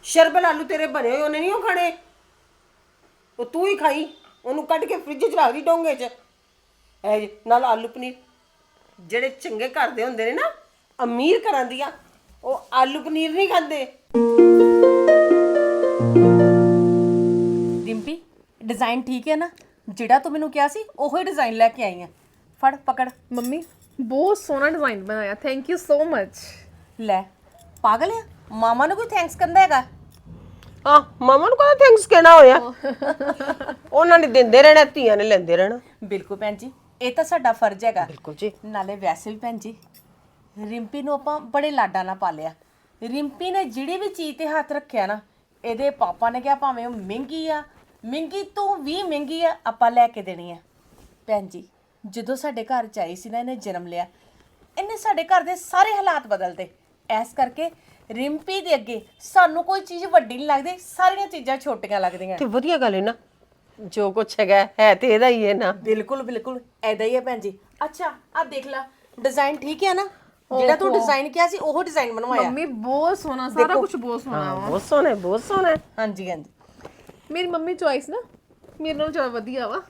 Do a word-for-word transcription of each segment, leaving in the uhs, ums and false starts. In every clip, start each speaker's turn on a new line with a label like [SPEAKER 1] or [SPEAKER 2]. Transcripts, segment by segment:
[SPEAKER 1] ਸ਼ਰਬਲ ਆਲੂ ਤੇਰੇ ਬਣੇ ਹੋਏ ਉਹਨੇ ਨਹੀਂ ਉਹ ਖਾਣੇ, ਉਹ ਤੂੰ ਹੀ ਖਾਈ। ਉਹਨੂੰ ਕੱਢ ਕੇ ਫ੍ਰਿਜ 'ਚ ਰੱਖ ਦੀ ਡੋਂਗੇ 'ਚ। ਇਹ ਜੀ, ਨਾਲ ਆਲੂ ਪਨੀਰ। ਜਿਹੜੇ ਚੰਗੇ ਘਰ ਦੇ ਹੁੰਦੇ ਨੇ ਨਾ, ਅਮੀਰ ਘਰਾਂ ਦੀਆਂ, ਉਹ ਆਲੂ ਪਨੀਰ ਨਹੀਂ ਖਾਂਦੇ।
[SPEAKER 2] ਰਿੰਪੀ ਡਿਜ਼ਾਈਨ ਠੀਕ ਹੈ ਨਾ? ਜਿਹੜਾ ਤੂੰ ਮੈਨੂੰ ਕਿਹਾ ਸੀ ਉਹੀ ਡਿਜ਼ਾਈਨ ਲੈ ਕੇ ਆਈ ਆ। ਫੜ ਪਕੜ।
[SPEAKER 3] ਮੰਮੀ ਬਹੁਤ ਸੋਹਣਾ ਡਿਜ਼ਾਈਨ ਬਣਾਇਆ, ਥੈਂਕ ਯੂ ਸੋ ਮਚ।
[SPEAKER 2] ਲੈ ਪਾਗਲ ਆ, ਮਾਮਾ ਨੂੰ ਕੋਈ ਥੈਂਕਸ ਕਰਦਾ ਹੈਗਾ?
[SPEAKER 1] ਹਾਂ, ਮਾਮਾ ਨੂੰ ਕਹਿੰਦਾ ਥੈਂਕਸ ਕਹਿਣਾ ਹੋਇਆ। ਉਹਨਾਂ ਨੇ ਦਿੰਦੇ ਰਹਿਣਾ, ਧੀਆਂ ਨੇ ਲੈਂਦੇ ਰਹਿਣਾ।
[SPEAKER 2] ਬਿਲਕੁਲ ਭੈਣ ਜੀ, ਇਹ ਤਾਂ ਸਾਡਾ ਫਰਜ਼ ਹੈਗਾ।
[SPEAKER 1] ਬਿਲਕੁਲ ਜੀ।
[SPEAKER 2] ਨਾਲੇ ਵੈਸੇ ਵੀ ਭੈਣ ਜੀ, ਰਿੰਪੀ ਨੂੰ ਆਪਾਂ ਬੜੇ ਲਾਡਾਂ ਨਾਲ ਪਾਲਿਆ। ਰਿੰਪੀ ਨੇ ਜਿਹੜੀ ਵੀ ਚੀਜ਼ ਤੇ ਹੱਥ ਰੱਖਿਆ ਨਾ, ਇਹਦੇ ਪਾਪਾ ਨੇ ਕਿਹਾ ਭਾਵੇਂ ਉਹ ਮਹਿੰਗੀ ਆ, ਮਹਿੰਗੀ ਤੋਂ ਵੀ ਮਹਿੰਗੀ ਆ, ਆਪਾਂ ਲੈ ਕੇ ਦੇਣੀ ਆ। ਭੈਣ ਜੀ, ਜਦੋਂ ਸਾਡੇ ਘਰ 'ਚ ਆਈ ਸੀ ਨਾ, ਇਹਨੇ ਜਨਮ ਲਿਆ, ਇਹਨੇ ਸਾਡੇ ਘਰ ਦੇ ਸਾਰੇ ਹਾਲਾਤ ਬਦਲਦੇ। ਇਸ ਕਰਕੇ ਰਿੰਪੀ ਦੇ ਅੱਗੇ ਸਾਨੂੰ ਕੋਈ ਚੀਜ਼ ਵੱਡੀ ਨਹੀਂ ਲੱਗਦੀ, ਸਾਰੀਆਂ ਚੀਜ਼ਾਂ ਛੋਟੀਆਂ ਲੱਗਦੀਆਂ।
[SPEAKER 1] ਤੇ ਵਧੀਆ ਗੱਲ ਹੈ ਨਾ, ਜੋ ਕੁਛ ਹੈਗਾ ਹੈ ਤੇ ਇਹਦਾ ਹੀ ਹੈ ਨਾ।
[SPEAKER 2] ਬਿਲਕੁਲ ਬਿਲਕੁਲ ਐਦਾ ਹੀ ਹੈ ਭੈਣ ਜੀ। ਅੱਛਾ ਆ ਦੇਖ ਲੈ, ਡਿਜ਼ਾਈਨ ਠੀਕ ਹੈ ਨਾ? ਜਿਹੜਾ ਤੂੰ ਡਿਜ਼ਾਈਨ ਕਿਹਾ ਸੀ ਉਹ ਡਿਜ਼ਾਈਨ ਬਣਵਾਇਆ।
[SPEAKER 3] ਮੰਮੀ ਬਹੁਤ ਸੋਹਣਾ, ਸਾਰਾ ਕੁਝ ਬਹੁਤ ਸੋਹਣਾ ਵਾ।
[SPEAKER 1] ਬਹੁਤ ਸੋਹਣਾ ਹੈ, ਬਹੁਤ ਸੋਹਣਾ ਹੈ।
[SPEAKER 2] ਹਾਂਜੀ ਹਾਂਜੀ,
[SPEAKER 3] ਮੇਰੀ ਮੰਮੀ ਚੋਇਸ ਨਾ ਮੇਰੇ ਨਾਲੋਂ ਜ਼ਿਆਦਾ ਵਧੀਆ ਵਾ।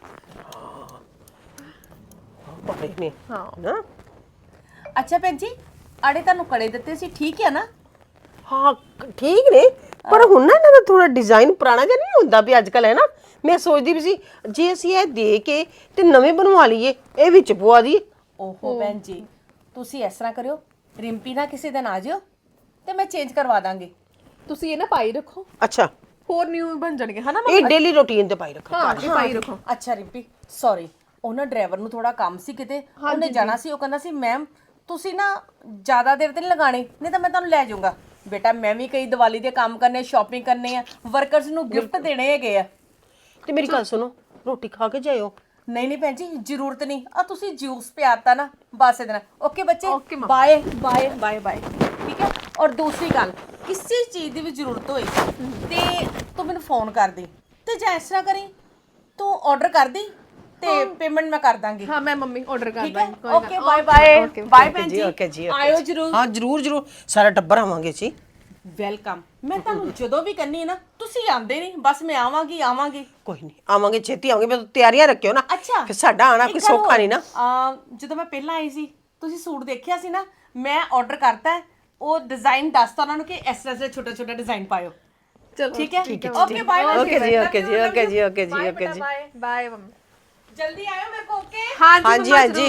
[SPEAKER 1] ਬੜੇ ਨੇ
[SPEAKER 3] ਹਾਂ
[SPEAKER 1] ਨਾ।
[SPEAKER 2] ਅੱਛਾ ਭੈਣ ਜੀ, ਆੜੇ ਤੁਹਾਨੂੰ ਕੜੇ ਦਿੱਤੇ ਸੀ, ਠੀਕ ਹੈ ਨਾ?
[SPEAKER 1] ਹਾਂ ਠੀਕ ਨੇ, ਪਰ ਹੁਣ ਨਾ ਇਹਨਾਂ ਦਾ ਥੋੜਾ ਡਿਜ਼ਾਈਨ ਪੁਰਾਣਾ ਜਿਹਾ ਨਹੀਂ ਹੁੰਦਾ ਵੀ ਅੱਜ ਕੱਲ, ਹੈ ਨਾ। ਮੈਂ ਸੋਚਦੀ ਵੀ ਸੀ ਜੇ ਅਸੀਂ ਇਹ ਦੇ ਕੇ ਤੇ ਨਵੇਂ ਬਣਵਾ ਲਈਏ, ਇਹ ਵਿੱਚ ਪਵਾ ਦਈਏ।
[SPEAKER 2] ਓਹੋ ਭੈਣ ਜੀ, ਤੁਸੀਂ ਇਸ ਤਰ੍ਹਾਂ ਕਰਿਓ, ਰਿੰਪੀ ਨਾ ਕਿਸੇ ਦਿਨ ਆ ਜਿਓ ਤੇ ਮੈਂ ਚੇਂਜ ਕਰਵਾ ਦਾਂਗੀ।
[SPEAKER 3] ਤੁਸੀਂ ਇਹ ਨਾ ਪਾਈ ਰੱਖੋ,
[SPEAKER 1] ਅੱਛਾ,
[SPEAKER 3] ਹੋਰ ਨਿਊ ਬਣ ਜਾਣਗੇ ਹਨਾ।
[SPEAKER 1] ਇਹ ਡੇਲੀ ਰੂਟੀਨ ਤੇ ਪਾਈ ਰੱਖੋ।
[SPEAKER 3] ਹਾਂ ਇਹ ਪਾਈ ਰੱਖੋ।
[SPEAKER 2] ਅੱਛਾ ਰਿੰਪੀ, ਸੌਰੀ, ਉਹਨਾਂ ਡਰਾਈਵਰ ਨੂੰ ਥੋੜਾ ਕੰਮ ਸੀ ਕਿਤੇ, ਉਹਨੇ ਜਾਣਾ ਸੀ। ਉਹ ਕਹਿੰਦਾ ਸੀ ਮੈਮ ਤੁਸੀਂ ਨਾ ਜ਼ਿਆਦਾ ਦੇਰ ਤੇ ਨਹੀਂ ਲਗਾਣੀ, ਨਹੀਂ ਤਾਂ ਮੈਂ ਤੁਹਾਨੂੰ ਲੈ ਜਾਊਂਗਾ। ਬੇਟਾ ਮੈਂ ਵੀ ਕਈ ਦੀਵਾਲੀ ਦੇ ਕੰਮ ਕਰਨੇ, ਸ਼ਾਪਿੰਗ ਕਰਨੇ ਆ, ਵਰਕਰਸ ਨੂੰ ਗਿਫਟ ਦੇਣੇ ਹੈਗੇ ਆ।
[SPEAKER 1] ਤੇ ਮੇਰੀ ਗੱਲ ਸੁਣੋ, ਰੋਟੀ ਖਾ ਕੇ ਜਾਇਓ।
[SPEAKER 2] ਨਹੀਂ ਨਹੀਂ ਭੈਣ ਜੀ, ਜ਼ਰੂਰਤ ਨਹੀਂ। ਆ ਤੁਸੀਂ ਜੂਸ ਪਿਆਤਾ ਨਾ, ਬਸ ਇਹਦੇ ਨਾਲ। ਓਕੇ ਬੱਚੇ,
[SPEAKER 3] Okay, ma'am.
[SPEAKER 2] Bye bye bye bye, ਠੀਕ ਹੈ। ਔਰ ਦੂਸਰੀ ਗੱਲ, ਕਿਸੇ ਚੀਜ਼ ਦੀ ਵੀ ਜ਼ਰੂਰਤ ਹੋਈ ਤੇ ਤੂੰ ਮੈਨੂੰ ਫੋਨ ਕਰ ਦੇ, ਤੇ ਜਾਂ ਇਸ ਤਰ੍ਹਾਂ ਕਰੀ, ਤੂੰ ਆਰਡਰ ਕਰ ਦੇ ਤੇ ਪੇਮੈਂਟ ਮੈਂ ਕਰ ਦਾਂਗੀ।
[SPEAKER 3] ਹਾਂ ਮੈਂ ਮੰਮੀ ਆਰਡਰ ਕਰ
[SPEAKER 2] ਠੀਕ ਹੈ,
[SPEAKER 3] ਦਾਂਗੀ।
[SPEAKER 2] ਓਕੇ ਬਾਏ ਬਾਏ ਬਾਏ ਭੈਣ ਜੀ,
[SPEAKER 1] ਓਕੇ ਜੀ,
[SPEAKER 2] ਆਇਓ ਜ਼ਰੂਰ।
[SPEAKER 1] ਹਾਂ ਜ਼ਰੂਰ ਜ਼ਰੂਰ, ਸਾਰਾ ਟੱਬਰ ਆਵਾਂਗੇ ਜੀ।
[SPEAKER 2] ਵੈਲਕਮ। ਮੈਂ ਤੁਹਾਨੂੰ ਜਦੋਂ ਵੀ ਕਹਿੰਨੀ ਹੈ ਨਾ, ਤੁਸੀਂ ਆਉਂਦੇ ਨਹੀਂ, ਬਸ ਮੈਂ ਆਵਾਂਗੀ ਆਵਾਂਗੀ।
[SPEAKER 1] ਕੋਈ ਨਹੀਂ, ਆਵਾਂਗੇ, ਛੇਤੀ ਆਵਾਂਗੇ। ਮੈਂ ਤਿਆਰੀਆਂ ਰੱਖਿਓ ਨਾ।
[SPEAKER 2] ਅੱਛਾ,
[SPEAKER 1] ਫਿਰ ਸਾਡਾ ਆਣਾ ਕੋਈ ਸੌਖਾ ਨਹੀਂ ਨਾ।
[SPEAKER 2] ਆ ਜਦੋਂ ਮੈਂ ਪਹਿਲਾਂ ਆਈ ਸੀ, ਤੁਸੀਂ ਸੂਟ ਦੇਖਿਆ ਸੀ ਨਾ, ਮੈਂ ਆਰਡਰ ਕਰਤਾ ਹੈ। ਉਹ ਡਿਜ਼ਾਈਨ ਦੱਸਤਾ ਉਹਨਾਂ ਨੂੰ ਕਿ ਇਸ ਤਰ੍ਹਾਂ ਦੇ ਛੋਟਾ ਛੋਟਾ ਡਿਜ਼ਾਈਨ ਪਾਇਓ।
[SPEAKER 3] ਚਲੋ
[SPEAKER 2] ਠੀਕ ਹੈ, ਓਕੇ ਬਾਏ
[SPEAKER 1] ਓਕੇ ਜੀ, ਓਕੇ ਜੀ, ਓਕੇ ਜੀ, ਓਕੇ ਜੀ, ਓਕੇ ਜੀ।
[SPEAKER 3] Bye bye mummy.
[SPEAKER 2] ਜਲਦੀ ਆਇਓ ਮੇਰੇ ਕੋ। ਓਕੇ
[SPEAKER 1] ਹਾਂਜੀ ਹਾਂਜੀ।